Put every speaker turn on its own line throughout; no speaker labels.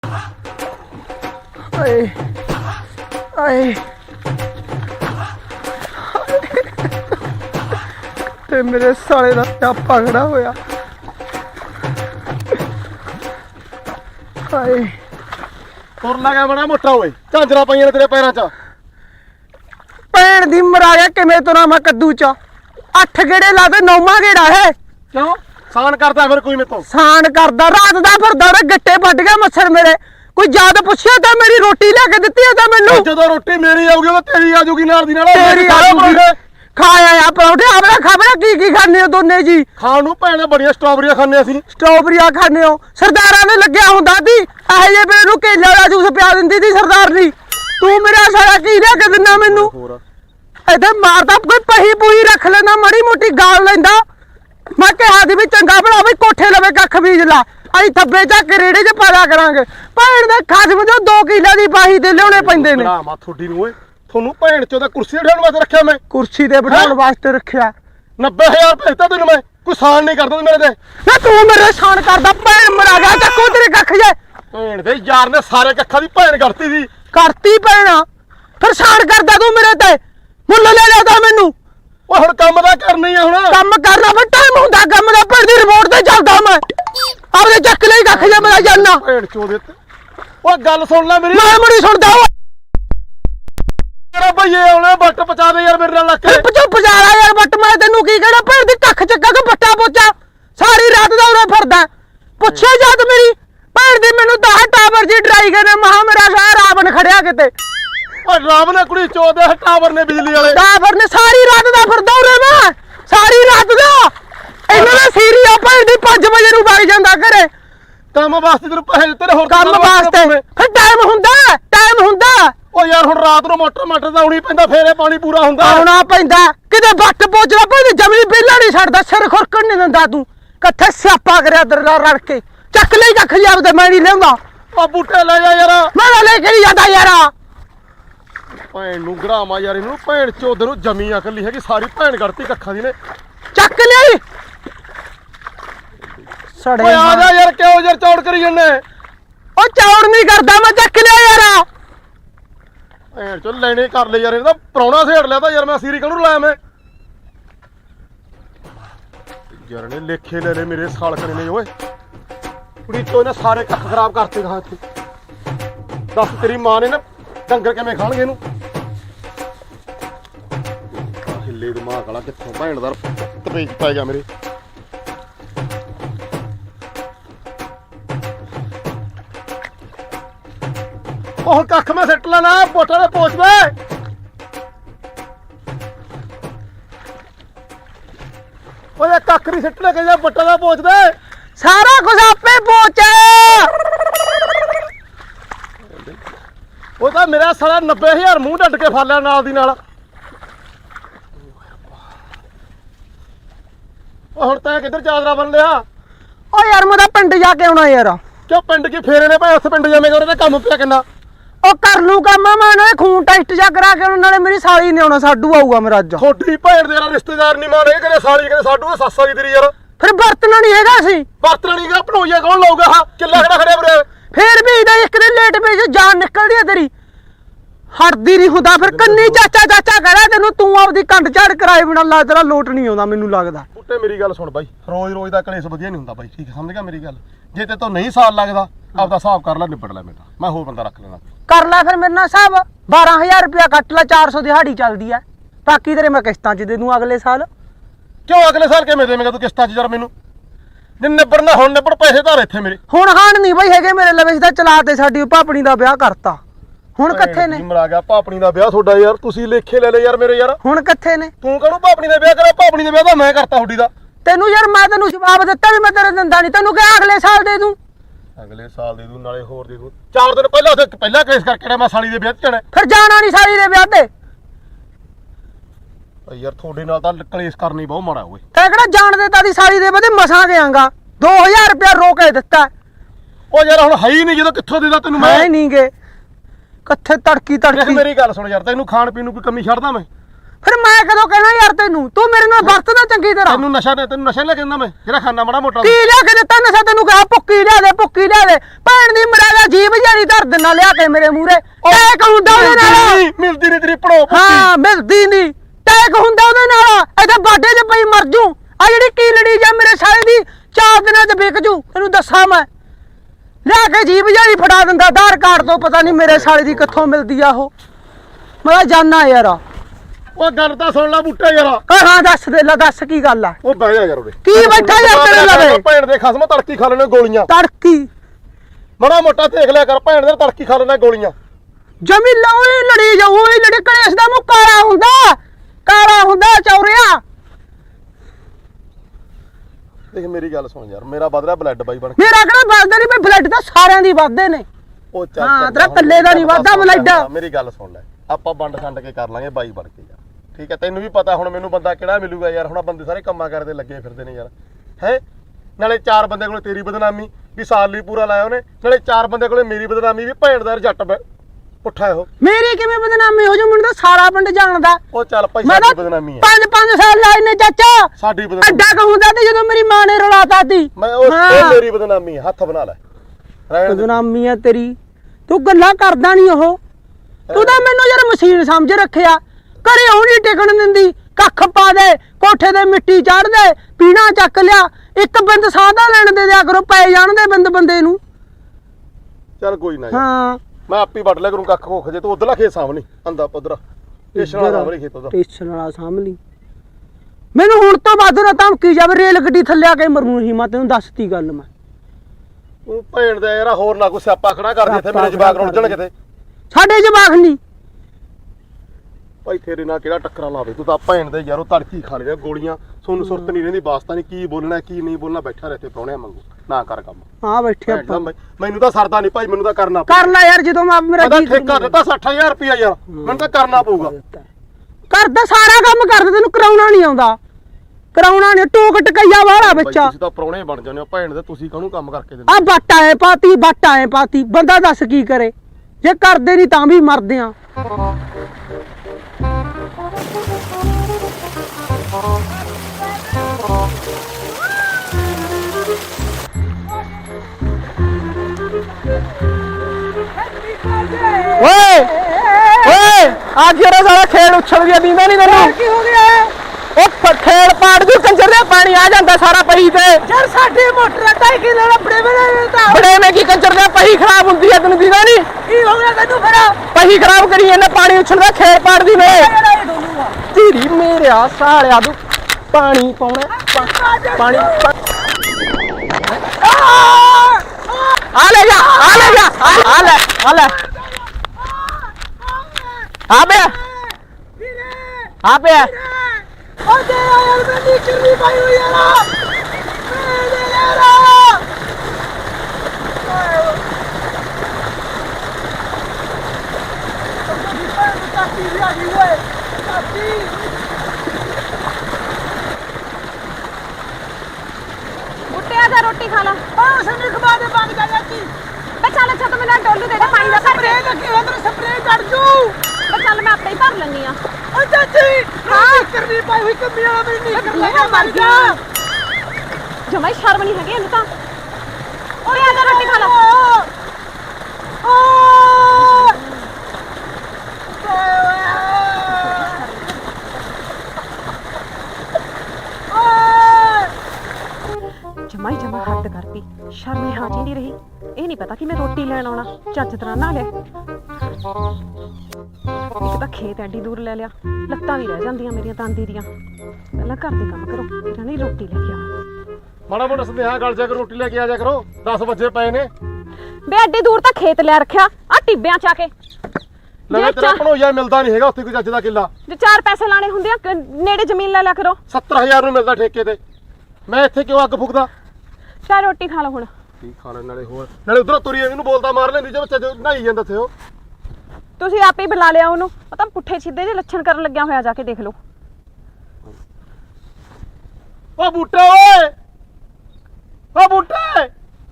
ਆਏ ਆਏ ਤੇ ਮੇਰੇ ਸਾਲੇ ਦਾ ਸਿਆਪਾ ਖੜਾ ਹੋਇਆ। ਹਾਏ
ਤੁਰ ਲੱਗਾ ਬੜਾ ਮੋਟਾ ਓਏ, ਝਾਂਜਰਾਂ ਪਈਆਂ ਨੇ ਤੇਰੇ ਪੈਰਾਂ 'ਚ।
ਭੈਣ ਦੀ ਮਰਾ ਗਿਆ ਕਿਵੇਂ ਤੁਰਾਂ ਮੈਂ ਕੱਦੂ 'ਚ। 8 ਗੇੜੇ ਲਾ ਦੇ 9ਵਾਂ ਗੇੜਾ ਹੈ।
ਕਿਉਂ ਸਾਨ ਕਰਦਾ ਫਿਰ ਕੋਈ ਮੇਰੇ ਤੋਂ?
ਸਾਨ ਕਰਦਾ ਰਾਤ ਦਾ ਫਿਰਦਾ ਰੇ, ਗੱਟੇ ਵੱਢ ਗਿਆ ਮੱਛਰ ਮੇਰੇ। ਕੋਈ ਯਾਦ ਪੁੱਛਿਆ ਤਾਂ ਮੇਰੀ ਰੋਟੀ ਲੈ ਕੇ ਦਿੱਤੀ ਆ ਤਾਂ ਮੈਨੂੰ।
ਜਦੋਂ ਰੋਟੀ ਮੇਰੀ ਆਊਗੀ ਉਹ ਤੇਰੀ ਆਜੂਗੀ ਨਾਲ ਦੀ ਨਾਲ।
ਤੇਰੀ ਆਜੂਗੀ। ਖਾਇਆ ਆ ਪਰੌਂਠੇ ਆਪਣਾ ਖਬਰਾਂ ਕੀ ਖਾਣੇ ਹੋ ਦੋਨੇ ਜੀ।
ਖਾਣ ਨੂੰ ਭੈਣੇ ਬੜੀਆਂ ਸਟ੍ਰਾਬੇਰੀਆਂ ਖਾਣੇ ਅਸੀਂ।
ਸਟ੍ਰਾਬੇਰੀਆਂ ਖਾਣੇ ਹੋ? ਸਰਦਾਰਾਂ ਨੇ ਲੱਗਿਆ ਹੁੰਦਾ ਸੀ ਇਹੋ ਜਿਹੇ ਵੇਲੇ ਨੂੰ ਕੇਲਾ ਦਾ ਜੂਸ ਪਿਆ ਦਿੰਦੀ ਸੀ ਸਰਦਾਰਨੀ। ਤੂੰ ਮੇਰਾ ਸਾਰਾ ਕੀ ਲਿਆ ਕੇ ਦਿੰਦਾ ਮੈਨੂੰ? ਇੱਥੇ ਮਾਰਦਾ ਕੋਈ ਪਹੀ ਪੂਈ ਰੱਖ ਲੈਂਦਾ, ਮਾੜੀ ਮੋਟੀ ਗਾਲ ਲੈਂਦਾ। ਮੈਂ ਕਿਹਾ ਦੀ ਵੀ ਚੰਗਾ ਭਲਾ ਵੀ ਕੋਠੇ ਲਵੇ ਕੱਖ ਬੀਜ ਲਾ, ਅਸੀਂ ਥੱਬੇ ਚੱਕ ਰੇੜੇ 'ਚ ਪਾਇਆ ਕਰਾਂਗੇ। ਭੈਣ ਦੇ ਖਸਮ ਜੋ 2 ਕਿੱਲੇ ਦੀ ਬਾਹੀ ਤੇ ਲਿਆਉਣੇ ਪੈਂਦੇ ਨੇ।
ਮਾ ਥੋੜੀ ਨੂੰ ਓਏ, ਤੁਹਾਨੂੰ ਭੈਣ ਚੋਂ ਦਾ ਕੁਰਸੀ ਬਿਠਾਉਣ ਵਾਸਤੇ ਰੱਖਿਆ ਮੈਂ।
ਕੁਰਸੀ ਤੇ ਬਿਠਾਉਣ ਵਾਸਤੇ ਰੱਖਿਆ।
90,000 ਭੇਜਤਾ ਤੈਨੂੰ ਮੈਂ, ਕੋਈ ਸਾਨ ਨਹੀਂ ਕਰਦਾ ਤੂੰ ਮੇਰੇ ਤੇ।
ਨਾ ਤੂੰ ਮੇਰੇ ਸਾਨ ਕਰਦਾ, ਭੈਣ ਮਰਾ ਗਿਆ ਚੱਕੋ ਤੇਰੇ ਕੱਖ ਜੇ।
ਭੈਣ ਦੇ ਯਾਰ ਨੇ ਸਾਰੇ ਕੱਖਾਂ ਦੀ ਭੈਣ ਕਰਤੀ ਸੀ।
ਕਰਤੀ ਭੈਣਾ ਫਿਰ ਸਾਨ ਕਰਦਾ ਤੂੰ ਮੇਰੇ ਤੇ, ਮੁੱਲ ਲੈ ਲਿਆ ਮੈਨੂੰ।
ਓਏ ਹੁਣ ਕੰਮ ਤਾਂ ਕਰਨਾ ਹੀ ਆ। ਹੁਣ
ਕੰਮ ਕਰਨਾ ਫਿਰ ਟਾਈਮ ਹੁੰਦਾ ਕੰਮ ਦਾ, ਭੈਣ ਦੀ ਰਿਮੋਟ ਤੇ ਚੱਲਦਾ ਮੈਂ। ਆਪਦੇ ਚੱਕ ਲਈ ਕੱਖ ਜੇ ਮੇਰਾ ਜਾਨਾ।
ਭੈਣ ਚੋਦੇ ਤੇ ਓਏ ਗੱਲ ਸੁਣ ਲੈ ਮੇਰੀ।
ਮੈਂ ਮੜੀ ਸੁਣਦਾ ਓਏ।
ਤੇਰਾ ਭਈਏ ਆਉਣਾ ਬੱਟ ਪਚਾ ਦੇ ਯਾਰ ਮੇਰੇ ਨਾਲ ਲੱਖ।
ਚੁੱਪ ਜਾ ਯਾਰ, ਬੱਟ ਮੈਂ ਤੈਨੂੰ ਕੀ ਕਹਿਣਾ? ਭੈਣ ਦੀ ਕੱਖ ਚੱਕਾ ਕੇ ਬੱਟਾ ਪੋਚਾ ਸਾਰੀ ਰਾਤ ਦਾ ਉਰੇ ਫਿਰਦਾ। ਪੁੱਛਿਆ ਜਦ ਮੇਰੀ ਭੈਣ ਦੀ ਮੈਨੂੰ 10 ਟਾਵਰ ਜੀ ਡਰਾਈ ਗਏ ਨੇ। ਮਹਾ ਮੇਰਾ ਸਾਰਾ ਰਾਵਣ ਖੜਿਆ ਕਿਤੇ।
ਓਏ ਰਾਮ ਨੇ ਕੁੜੀ ਚੋਦੇ ਟਾਵਰ ਨੇ ਬਿਜਲੀ ਵਾਲੇ।
ਟਾਵਰ ਨੇ ਸਾਰੀ ਰਾਤ ਦਾ ਫਿਰਦਾ ਉਰੇ ਮੈਂ, ਸਾਰੀ ਰਾਤ ਦਾ। ਇਹਨਾਂ ਦਾ ਸੀਰੀਆ ਭੈਣ ਦੀ 5 ਵਜੇ ਨੂੰ ਵਗ ਜਾਂਦਾ ਘਰੇ।
ਕੰਮ ਵਾਸਤੇ ਤੈਨੂੰ ਪੈਸੇ ਦਿੱਤੇ ਨੇ, ਹੋਰ
ਕੰਮ ਵਾਸਤੇ ਫਿਰ ਟਾਈਮ ਹੁੰਦਾ, ਟਾਈਮ ਹੁੰਦਾ।
ਓ ਯਾਰ ਹੁਣ ਰਾਤ ਨੂੰ ਮੋਟਰ ਤਾਂ ਆਉਣੀ ਪੈਂਦਾ, ਫੇਰ ਇਹ ਪਾਣੀ ਪੂਰਾ ਹੁੰਦਾ।
ਆਉਣਾ ਪੈਂਦਾ ਕਿਤੇ ਬੱਟ ਪੋਚਦਾ ਭੈਣ ਜਮੀ ਪਹਿਲਾਂ ਨਹੀਂ ਛੱਡਦਾ, ਸਿਰ ਖੁਰਕਣ ਨਹੀਂ ਦਿੰਦਾ ਤੂੰ। ਕਿੱਥੇ ਸਿਆਪਾ ਕਰਿਆ ਦਰਰਾ ਰੜ ਕੇ। ਚੱਕ ਲਈ ਕੱਖ ਜਾਪਦੇ ਮੈਂ ਨਹੀਂ ਲਿਆਉਂਦਾ।
ਓ ਬੂਟੇ ਲੈ ਜਾ ਯਾਰ।
ਮੈਂ ਲੈ ਕੇ ਨਹੀਂ ਜਾਂਦਾ ਯਾਰ।
ਭੈਣ ਨੂੰ ਗੜਾਵਾਂ ਯਾਰ ਇਹਨੂੰ, ਭੈਣ ਚੋਦ ਨੂੰ ਜਮੀ ਅਕਲ ਨਹੀਂ ਹੈਗੀ, ਸਾਰੀ ਭੈਣ ਕਰਤੀ ਕੱਖਾਂ ਦੀ ਨੇ।
ਚੱਕ ਲਈ ਸੜੇ।
ਓਏ ਆ ਜਾ ਯਾਰ, ਕਿਉਂ ਯਾਰ ਚੌੜ ਕਰੀ ਜੰਨੇ?
ਓ ਚੌੜ ਨਹੀਂ ਕਰਦਾ ਮੈਂ, ਚੱਕ ਲਿਆ ਯਾਰ।
ਭੈਣ ਚੋ ਲੈਣੇ ਕਰ ਲੈ ਯਾਰ, ਇਹਦਾ ਪ੍ਰਾਹੁਣਾ ਛੇੜ ਲਿਆ ਤਾਂ ਯਾਰ। ਮੈਂ ਸੀਰੀ ਕਾਹਨੂੰ ਲਾਇਆ ਮੈਂ ਯਾਰ? ਨੇ ਲੇਖੇ ਲੈ ਲੈ ਮੇਰੇ ਸਾਲਕਣੇ ਨੇ ਓਏ। ਕੁੜੀ ਚੋ ਨੇ ਸਾਰੇ ਕੱਖ ਖਰਾਬ ਕਰਤੇ ਗਾਂ ਇੱਥੇ। ਦੱਸ ਤੇਰੀ ਮਾਂ ਨੇ ਨਾ ਡੰਗਰ ਕਿਵੇਂ ਖਾਣਗੇ ਇਹਨੂੰ? ਹਿੱਲੇ ਦਿਮਾਗ ਵਾਲਾ ਕਿੱਥੋਂ ਭੈਣ ਦਾ ਤਪੇਚ ਪੈ ਗਿਆ ਮੇਰੇ। ਉਹ ਕੱਖ ਮੈਂ ਸਿੱਟ ਲੈਣਾ, ਬੋਟਾਂ ਦੇ ਪੋਚ ਵੇ। ਓਏ ਕੱਖ ਨਹੀਂ ਸਿੱਟ ਲੈ ਕੇ ਜਾ, ਬੋਟਾਂ ਦਾ ਪੋਚ ਦੇ।
ਸਾਰਾ ਕੁਝ ਆਪੇ ਪੋਚ।
ਉਹ ਤਾਂ ਮੇਰਾ ਸਾਲਾ 90,000 ਮੂੰਹ ਡੱਡ ਕੇ ਫੜ ਲਿਆ ਨਾਲ ਦੀ ਨਾਲ। ਉਹ ਹੁਣ ਤਾਂ ਕਿੱਧਰ ਚਾਦਰਾ ਬਣ ਲਿਆ?
ਓ ਯਾਰ ਮੈਂ ਤਾਂ ਪਿੰਡ ਜਾ ਕੇ ਆਉਣਾ ਯਾਰ।
ਕਿਉਂ ਪਿੰਡ ਕੀ ਫੇਰੇ ਨੇ ਭਾਈ? ਉੱਥੇ ਪਿੰਡ ਜਾਵੇਂਗਾ, ਉਹਦੇ ਕੰਮ ਪਿਆ ਕਿੰਨਾ।
ਉਹ ਕਰ ਲੂ ਕੰਮ ਮੈਂ ਨਾਲੇ ਖੂਨ ਟੈਸਟ ਜਾ ਕਰਾ ਕੇ ਨਾਲੇ ਮੇਰੀ ਸਾਲੀ ਨੇ ਆਉਣਾ, ਸਾਡੂ ਆਊਗਾ ਮੇਰਾ ਅੱਜ।
ਛੋਟੀ ਭੈਣ ਦੇ ਨਾਲ ਰਿਸ਼ਤੇਦਾਰ ਨਹੀਂ ਮਾਣੇ, ਕਦੇ ਸਾਲੀ ਕਦੇ ਸਾਡੂ, ਸੱਸ ਆ ਗਈ ਤੇਰੀ ਯਾਰ।
ਫਿਰ ਵਰਤਣਾ ਨਹੀਂ ਹੈਗਾ ਸੀ।
ਵਰਤਣਾ ਨਹੀਂ ਗਾ, ਭਣੋਈਆ ਕੌਣ ਲਾਊਗਾ? ਹਾਂ ਕਿੱਲਾ ਖੜਾ ਖੜਿਆ ਵੀਰੇ।
ਫੇਰ ਵੀ ਇਹਦਾ ਇੱਕ ਦਿਨ ਲੇਟ ਪਈ ਜਾਨ ਨਿਕਲਦੀ ਆ ਤੇਰੀ, ਹਟਦੀ ਨਹੀਂ ਹੁੰਦਾ। ਫਿਰ ਕੰਨੀ ਚਾਚਾ ਚਾਚਾ ਕਰਾ ਤੈਨੂੰ, ਤੂੰ ਆਪਦੀ ਕੰਡ ਝਾੜ ਕਰਾਏ ਬਿਨਾਂ ਲਾ ਤੇਰਾ ਲੋਟ ਨਹੀਂ ਆਉਂਦਾ ਮੈਨੂੰ ਲੱਗਦਾ।
ਬੁੱਟੇ ਮੇਰੀ ਗੱਲ ਸੁਣ ਬਾਈ, ਰੋਜ਼ ਰੋਜ਼ ਦਾ ਕਲੇਸ਼ ਵਧੀਆ ਨਹੀਂ ਹੁੰਦਾ ਬਾਈ, ਠੀਕ ਸਮਝ ਗਿਆ ਮੇਰੀ ਗੱਲ? ਜੇ ਤੇ ਤੋਂ ਨਹੀਂ ਸਾਲ ਲੱਗਦਾ ਆਪਦਾ ਹਿਸਾਬ ਕਰ ਲੈ, ਨਿਬੜ ਲੈ ਮੇਰਾ, ਮੈਂ ਹੋਰ ਬੰਦਾ ਰੱਖ ਲੈਣਾ। ਕਰ
ਲੈ ਫਿਰ ਮੇਰੇ ਨਾਲ ਹਿਸਾਬ। 12,000 ਰੁਪਇਆ ਕੱਟ ਲੈ, 400 ਦਿਹਾੜੀ ਚੱਲਦੀ ਆ। ਬਾਕੀ ਤੇਰੇ ਮੈਂ ਕਿਸ਼ਤਾਂ 'ਚ ਦੇ ਦੂੰ ਅਗਲੇ ਸਾਲ।
ਕਿਉਂ ਅਗਲੇ ਸਾਲ ਕਿਵੇਂ ਦੇਵੇਂਗਾ ਤੂੰ ਕਿਸ਼ਤਾਂ 'ਚ ਯਾਰ ਮੈਨੂੰ? ਜੇ ਨਿਬੜਨਾ ਹੁਣ ਨਿਬੜ, ਪੈਸੇ ਧਾਰ ਇੱਥੇ ਮੇਰੇ।
ਹੁਣ ਹਾਣ ਨਹੀਂ ਬਈ ਹੈਗੇ ਮੇਰੇ ਲਵੇ, ਸਿੱਧਾ ਚਲਾ ਤੇ ਸਾਡੀ ਭਾਪਣੀ ਦਾ ਵਿਆਹ ਕਰਤਾ। ਹੁਣ ਕਿੱਥੇ ਨੇ?
ਮਰਾ ਗਿਆ ਭਾਪਣੀ ਦਾ ਵਿਆਹ ਤੁਹਾਡਾ ਯਾਰ, ਤੁਸੀਂ ਲੇਖੇ ਲੈ ਲੈ ਯਾਰ ਮੇਰੇ ਯਾਰ।
ਹੁਣ ਕਿੱਥੇ ਨੇ?
ਤੂੰ ਕਾਹਨੂੰ ਭਾਪਣੀ ਦਾ ਵਿਆਹ ਕਰਿਆ? ਭਾਪਣੀ ਦਾ ਵਿਆਹ ਤਾਂ ਮੈਂ ਕਰਤਾ ਤੁਹਾਡੀ ਦਾ।
ਤੈਨੂੰ ਯਾਰ ਮੈਂ ਤੈਨੂੰ ਜਵਾਬ ਦਿੱਤਾ ਵੀ ਮੈਂ ਤੇਰੇ ਦਿੰਦਾ ਨਹੀਂ, ਤੈਨੂੰ ਕਿਹਾ ਅਗਲੇ ਸਾਲ ਦੇ ਦੂੰ।
ਅਗਲੇ ਸਾਲ ਦੇ ਦੂੰ, ਨਾਲੇ ਹੋਰ ਦੇ ਦੂੰ। 4 ਦਿਨ ਪਹਿਲਾਂ ਉੱਥੇ ਪਹਿਲਾਂ ਕੇਸ ਕਰਕੇ ਮੈਂ ਸਾਲੀ ਦੇ ਵਿਆਹ 'ਚ ਜਾਣਾ।
ਫਿਰ ਜਾਣਾ ਨਹੀਂ ਸਾਲੀ ਦੇ ਵਿਆਹ ਤੇ
ਯਾਰ ਤੁਹਾਡੇ ਨਾਲ ਤਾਂ ਕਲੇਸ਼ ਕਰਨੀ ਬਹੁਤ ਮਾੜਾ ਓਏ।
ਤੈਂ ਕਿਹੜਾ ਜਾਣ ਦੇਤਾ ਦੀ ਸਾਲੀ ਦੇ ਬਦੇ ਮਸਾਂ ਗਿਆਂਗਾ। 2000 ਰੁਪਇਆ ਰੋਕ ਕੇ ਦਿੱਤਾ।
ਉਹ ਯਾਰ ਹੁਣ ਹੈ ਹੀ ਨਹੀਂ, ਜਦੋਂ ਕਿੱਥੋਂ ਦੇਦਾ ਤੈਨੂੰ ਮੈਂ?
ਹੈ ਨਹੀਂ ਗੇ, ਕਿੱਥੇ ਤੜਕੀ ਤੜਕੀ।
ਮੇਰੀ ਗੱਲ ਸੁਣ ਯਾਰ, ਤੈਨੂੰ ਖਾਣ ਪੀਣ ਨੂੰ ਕੋਈ ਕਮੀ ਛੱਡਦਾ ਮੈਂ?
ਫਿਰ ਮੈਂ ਕਦੋਂ ਕਹਿਣਾ ਯਾਰ ਤੈਨੂੰ? ਤੂੰ ਮੇਰੇ ਨਾਲ ਵਰਤਦਾ ਚੰਗੀ ਤਰ੍ਹਾਂ।
ਤੈਨੂੰ ਨਸ਼ਾ ਲੈ ਕੇ ਦਿੰਦਾ ਮੈਂ, ਜਿਹੜਾ ਖਾਣਾ ਮਾੜਾ ਮੋਟਾ।
ਕੀ ਲਿਆ ਕੇ ਦਿੱਤਾ ਨਸ਼ਾ? ਤੈਨੂੰ ਕਿਹਾ ਭੁੱਕੀ ਲਿਆ ਦੇ, ਭੁੱਕੀ ਲਿਆ ਦੇ। ਭੈਣ ਦੀ ਮਰਾਦਾ ਜੀਭ ਦਿੰਦਾ ਲਿਆ ਕੇ ਮੇਰੇ ਮੂਹਰੇ ਟੈਕ ਹੁੰਦਾ ਉਹਦੇ ਨਾਲ
ਮਿਲਦੀ ਨਹੀਂ ਤੇਰੀ ਭੜੋ
ਹਾਂ ਮਿਲਦੀ ਨਹੀਂ ਟੈਕ ਹੁੰਦਾ ਉਹਦੇ ਨਾਲ ਇਹਦੇ ਬਾਡੇ 'ਚ ਪਈ ਮਰ ਜੂ ਆ ਜਿਹੜੀ ਕੀਲੜੀ ਜਾਂ ਮੇਰੇ ਸਾਲੇ ਦੀ 4 ਦਿਨਾਂ 'ਚ ਵਿਕ ਜੂ ਤੈਨੂੰ ਦੱਸਾਂ ਮੈਂ ਲਿਆ ਕੇ ਜੀਬ ਜਿਹੜੀ ਫੜਾ ਦਿੰਦਾ ਆਧਾਰ ਕਾਰਡ ਤੋਂ ਪਤਾ ਨਹੀਂ ਮੇਰੇ ਸਾਲੇ ਦੀ ਕਿੱਥੋਂ ਮਿਲਦੀ ਆ ਉਹ ਮੈਂ ਜਾਨਾ ਯਾਰ
ਉਹ ਗੱਲ ਤਾਂ ਸੁਣ ਲੈ ਬੂਟਾ ਯਾਰ
ਹਾਂ ਦੱਸ ਦੇ ਲੈ ਦੱਸ ਕੀ ਗੱਲ ਆ
ਉਹ ਬਹਿ ਜਾ ਯਾਰ ਉਹਦੇ
ਕੀ ਬੈਠਾ ਯਾਰ ਤੇਰੇ ਲਵੇ
ਭੈਣ ਦੇ ਖਸਮ ਤੜਕੀ ਖਾ ਲੈਣੇ ਗੋਲੀਆਂ
ਤੜਕੀ
ਮਾੜਾ ਮੋਟਾ ਦੇਖ ਲਿਆ ਕਰ ਭੈਣ ਦੇ ਤੜਕੀ ਖਾ ਲੈਣੇ ਗੋਲੀਆਂ
ਜਮੀ ਲਾਉਣੀ ਲੜੀ ਜਾਊ ਇਹ ਲੜੇ ਕਲੇਸ਼ ਦਾ ਮੂੰਹ ਕਾਲਾ ਹੁੰਦਾ ਚੌਰਿਆ
ਦੇਖ ਮੇਰੀ ਗੱਲ ਸੁਣ ਯਾਰ ਮੇਰਾ ਵੱਧ ਰਿਹਾ ਬਲੱਡ ਬਾਈ ਬਣ ਕੇ
ਮੇਰਾ ਕਿਹੜਾ ਵੱਧਦਾ ਨਹੀਂ ਬਈ ਬਲੱਡ ਤਾਂ ਸਾਰਿਆਂ ਦੀ ਵੱਧਦੇ ਨੇ
ਉਹ ਚੱਲ
ਹਾਂ ਤੇਰਾ ਪੱਲੇ ਦਾ ਨਹੀਂ ਵੱਧਦਾ ਬਲੱਡ
ਮੇਰੀ ਗੱਲ ਸੁਣ ਲੈ ਆਪਾਂ ਵੰਡ ਛੰਡ ਕੇ ਕਰ ਲਾਂਗੇ ਬਾਈ ਬਣ ਕੇ ਯਾਰ ਠੀਕ ਹੈ ਤੈਨੂੰ ਵੀ ਪਤਾ ਹੁਣ ਮੈਨੂੰ ਬੰਦਾ ਕਿਹੜਾ ਮਿਲੂਗਾ ਯਾਰ ਹੁਣ ਬੰਦੇ ਸਾਰੇ ਕੰਮਾਂ ਕਰਦੇ ਲੱਗੇ ਫਿਰਦੇ ਨੇ ਯਾਰ ਹੈ ਨਾਲੇ 4 ਬੰਦੇ ਕੋਲੇ ਤੇਰੀ ਬਦਨਾਮੀ ਵੀ ਸਾਲ ਲਈ ਪੂਰਾ ਲਾਇਆ ਉਹਨੇ ਨਾਲੇ 4 ਬੰਦੇ ਕੋਲੇ ਮੇਰੀ ਬਦਨਾਮੀ ਵੀ ਭੈਣ ਦਾ ਜੱਟ ਪੁੱਠਾ ਇਹੋ
ਮੇਰੀ ਕਿਵੇਂ ਬਦਨਾਮੀ ਹੋ ਜੂ ਮੈਨੂੰ ਤਾਂ ਸਾਰਾ ਪਿੰਡ ਜਾਣਦਾ
ਉਹ ਚੱਲ ਭਾਈ
ਮੈਂ
ਸਾਡੀ ਬਦਨਾਮੀ ਹੈ
5 ਸਾਲ ਲਾਏ ਨੇ ਚਾਚਾ
ਸਾਡੀ ਬਦਨਾਮੀ
ਅੱਡਾ ਕ ਹੁੰਦਾ ਤੇ ਜਦੋਂ ਮੇਰੀ ਮਾਂ ਨੇ ਰਲਾਤਾ ਤੀ
ਮੈਂ ਉਹ ਮੇਰੀ ਬਦਨਾਮੀ ਹੈ ਹੱਥ ਬਣਾ ਲੈ ਰਹਿਣ ਦੇ।
ਬਦਨਾਮੀ ਆ ਤੇਰੀ ਤੂੰ ਗੱਲਾਂ ਕਰਦਾ ਨਹੀਂ ਉਹ ਤੂੰ ਤਾਂ ਮੈਨੂੰ ਯਾਰ ਮਸ਼ੀਨ ਸਮਝ ਰੱਖਿਆ ਘਰੇ ਉਹ ਨਹੀਂ ਟਿਕਣ ਦਿੰਦੀ ਕੱਖ ਪਾ ਦੇ ਕੋਠੇ ਦੇ ਮਿੱਟੀ ਚੜ ਦੇ ਪੀਣਾ ਚੱਕ ਲਿਆ ਇੱਕ ਬਿੰਦ ਸਾਹ ਦਾ ਲੈਣ ਦੇ ਦਿਆ ਕਰੋ ਪੈ ਜਾਣ ਦੇ ਬੰਦੇ ਨੂੰ
ਚੱਲ ਕੋਈ ਨਾ ਯਾਰ
ਹਾਂ
ਮੈਂ ਆਪੀ ਵੱਢ ਲਿਆ ਕਰੂੰ ਕੱਖ ਕੋਖ ਜੇ ਤੂੰ ਉਧਰਲਾ ਖੇਤ ਸਾਹਮਣੇ ਅੰਦਾ ਪੁੱਧਰ ਸਟੇਸ਼ਨ ਵਾਲਾ ਸਾਹਮਣੇ ਖੇਤ ਉਧਰ
ਸਟੇਸ਼ਨ ਵਾਲਾ ਸਾਹਮਣੇ ਮੈਨੂੰ ਹੁਣ ਤੋਂ ਵੱਧ ਨਾ ਧਮਕੀ ਜਾਵੇ ਰੇਲ ਗੱਡੀ ਥੱਲੇ ਆ ਕੇ ਮਰੂ ਨਹੀਂ ਮੈਂ ਤੈਨੂੰ ਦੱਸਤੀ ਗੱਲ ਮੈਂ
ਉਹ ਭੈਣ ਦਾ ਯਾਰ ਹੋਰ ਨਾ ਕੋਈ ਸਿਆਪਾ ਖੜਾ ਕਰ ਦੇ ਇੱਥੇ ਮੇਰੇ ਜਵਾਕ ਰੁੱਲ ਜਾਣ ਕਿਤੇ
ਸਾਡੇ ਜਵਾਕ ਨਹੀਂ
ਭਾਈ ਤੇਰੇ ਨਾਲ ਕਿਹੜਾ ਟੱਕਰਾਂ ਲਾਵੇ ਤੂੰ ਤਾਂ ਭੈਣ ਦੇ ਯਾਰੋ ਤੜਕੀ ਖਾ ਲਿਆ ਗੋਲੀਆਂ ਸੁਣ ਸੁਰਤ ਨਹੀਂ ਰਹਿੰਦੀ ਵਾਸਤਾ ਨਹੀਂ ਕੀ ਬੋਲਣਾ ਕੀ ਨਹੀਂ ਬੋਲਣਾ ਬੈਠਾ ਰਹਿ ਤੇ ਪ੍ਰਾਹੁਣਿਆਂ ਵਾਂਗੂ ਨਾ ਕਰ ਕੰਮ
ਹਾਂ ਬੈਠੇ
ਭੈਣ ਦਾ
ਆਪਾਂ
ਮੈਨੂੰ ਤਾਂ ਸਰਦਾ ਨਹੀਂ ਭਾਈ ਮੈਨੂੰ ਤਾਂ ਕਰਨਾ
ਕਰ ਲੈ ਯਾਰ ਜਦੋਂ ਮੈਂ ਮੇਰਾ
ਪਊਗਾ ਠੇਕਾ ਦਿੱਤਾ 60000 ਰੁਪਇਆ ਯਾਰ ਮੈਨੂੰ ਤਾਂ ਕਰਨਾ ਪਊਗਾ
ਕਰਦਾ ਸਾਰਾ ਕੰਮ ਕਰਦਾ ਤੈਨੂੰ ਕਰਾਉਣਾ ਨਹੀਂ ਆਉਂਦਾ ਕਰਾਉਣਾ ਨਹੀਂ ਟੋਕ ਟਕਈਆ ਵਾਲਾ ਬੱਚਾ
ਤੁਸੀਂ ਤਾਂ ਪ੍ਰਾਹੁਣੇ ਬਣ ਜਾਂਦੇ ਹੋ ਭੈਣ ਦੇ ਤੁਸੀਂ ਕਾਹਨੂੰ ਕੰਮ ਕਰਕੇ ਦਿੰਦੇ
ਆ ਬੱਟ ਐ ਪਾਤੀ ਬੰਦਾ ਦੱਸ ਕੀ ਕਰੇ ਜੇ ਕਰਦੇ ਨਹੀਂ ਤਾਂ ਵੀ ਮਰਦੇ ਆ ਓਏ ਓਏ ਆ ਜਿਹੜਾ ਸਾਰਾ ਖੇਡ ਉਛਲ ਗਿਆ ਦੀਂਦਾ ਨਹੀਂ ਤੈਨੂੰ ਕੀ ਹੋ ਗਿਆ ਉਹ ਖੇਡ ਪਾੜ ਜੂ ਕੰਜਰ ਦੇ ਪਾਣੀ ਆ ਜਾਂਦਾ ਸਾਰਾ ਪਹੀ ਤੇ ਯਾਰ ਸਾਡੇ ਮੋਟਰ ਤਾਂ ਕਿ ਲੈਣਾ ਬੜੇ ਮੇ ਕੀ ਕੰਜਰ ਦੇ ਪਹੀ ਖਰਾਬ ਹੁੰਦੀ ਹੈ ਤੈਨੂੰ ਦੀਦਾ ਨਹੀਂ ਕੀ ਹੋ ਗਿਆ ਤੈਨੂੰ ਫਿਰ ਪਹੀ ਖਰਾਬ ਕਰੀ ਇਹਨੇ ਪਾਣੀ ਉਛਲਦਾ ਖੇਡ ਪਾੜ ਦੀ ਵੇ ਤੇਰੀ ਮੇਰਿਆ ਸਾਲਿਆ ਤੂੰ ਪਾਣੀ ਪਾਉਣਾ ਪਾਣੀ ਆ ਲੈ ਜਾ ਆ ਲੈ ਆ ਬੇ ਓਏ ਯਾਰ ਮੈਂ ਨਹੀਂ ਕਰਨੀ ਪਾਈ ਹੋਈ ਯਾਰ ਮੇਰੇ ਯਾਰ
ਉੱਟਿਆ ਜਾ ਰੋਟੀ ਖਾ ਲਾ
ਆ ਸਮਝ ਖਵਾ ਦੇ ਬੰਦ ਕਰ ਜਾਂਦੀ
ਬੇ ਚੱਲ ਅੱਛਾ ਤੂੰ ਮੈਨੂੰ ਡੋਲੂ ਦੇ ਦੇ ਪਾਣੀ ਦਾ ਭਰ ਕੇ
ਸਪਰੇ ਲੱਗੀ ਹੋਇਆ ਤੇਰੇ ਸਪਰੇ ਕਰ ਜੂ
ਬੇ ਚੱਲ ਮੈਂ ਆਪੇ ਹੀ ਭਰ ਲੈਂਦੀ ਆ
ਓ ਚਾਚੀ ਹਾਂ ਕਰਨੀ ਪਾਈ ਹੋਈ ਕਮੀ ਵਾਲਾ ਮੈਨੂੰ ਨਹੀਂ ਕਰਨਾ ਮਰ ਜਾ
ਜਮਾਈ ਸ਼ਰਮ ਨਹੀਂ ਹੈਗੀ ਇਹਨੂੰ ਤਾਂ ਓਏ ਆ ਜਾ ਰੋਟੀ ਖਾ ਲਾ ਜਮਾ ਹੱਦ ਕਰਤੀ ਸ਼ਰਮੇ ਹਾਂ ਜੀ ਨਹੀਂ ਰਹੀ ਇਹ ਨਹੀਂ ਪਤਾ ਕਿ ਮੈਂ ਰੋਟੀ ਲੈਣ ਆਉਣਾ ਚੱਜ ਤਰ੍ਹਾਂ ਨਾ ਲਿਆ ਇੱਕ ਤਾਂ ਖੇਤ ਐਡੀ ਦੂਰ ਲੈ ਲਿਆ ਲੱਤਾਂ ਵੀ ਰਹਿ ਜਾਂਦੀਆਂ ਮੇਰੀਆਂ ਤਾਂਦੀ ਦੀਆਂ ਪਹਿਲਾਂ ਘਰ ਦੇ ਕੰਮ ਕਰੋ ਫਿਰ ਨਹੀਂ ਰੋਟੀ ਲੈ ਕੇ ਆਵਾਂ
ਮਾੜਾ ਮੋਟਾ ਸੰਦੇਹਾ ਗੱਲ ਜਾ ਕੇ ਰੋਟੀ ਲੈ ਕੇ ਆ ਜਾ ਕਰੋ 10 ਵਜੇ ਪਏ ਨੇ
ਬੇ ਐਡੀ ਦੂਰ ਤਾਂ ਖੇਤ ਲੈ ਰੱਖਿਆ ਆ ਟਿੱਬਿਆਂ ਚ ਆ ਕੇ
ਲੈ ਤੇਰਾ ਭਣੋਈਆ ਮਿਲਦਾ ਨਹੀਂ ਹੈਗਾ ਉੱਥੇ ਕੋਈ ਚੱਜ ਦਾ ਕਿੱਲਾ
ਜੇ 4 ਪੈਸੇ ਲਾਣੇ ਹੁੰਦੇ ਆ ਨੇੜੇ ਜ਼ਮੀਨ ਲੈ ਲਿਆ ਕਰੋ
70000 ਨੂੰ ਮਿਲਦਾ ਠੇਕੇ ਤੇ ਮੈਂ ਇੱਥੇ ਕਿਉਂ ਅੱਗ ਫੁਕਦਾ
ਚਾਹ ਰੋਟੀ ਖਾ ਲਓ ਹੁਣ
ਕੀ ਖਾ ਲੈ ਨਾਲੇ ਹੋਰ ਨਾਲੇ ਉਧਰੋਂ ਤੁਰੀ ਇਹਨੂੰ ਬੋਲਦਾ ਮਾਰ ਲੈਂਦੀ ਜੇ ਬੱਚਾ ਨਹਾਈ ਜਾਂਦਾ ਥੇ ਉਹ
ਤੁਸੀਂ ਆਪੇ ਹੀ ਬੁਲਾ ਲਿਆ ਉਹਨੂੰ ਪਤਾ ਪੁੱਠੇ ਸਿੱਧੇ ਜਿਹੇ ਲੱਛਣ ਕਰਨ ਲੱਗਿਆ ਹੋਇਆ ਜਾ ਕੇ ਦੇਖ ਲਓ
ਓ ਬੂਟਾ ਓਏ ਓ ਬੂਟਾ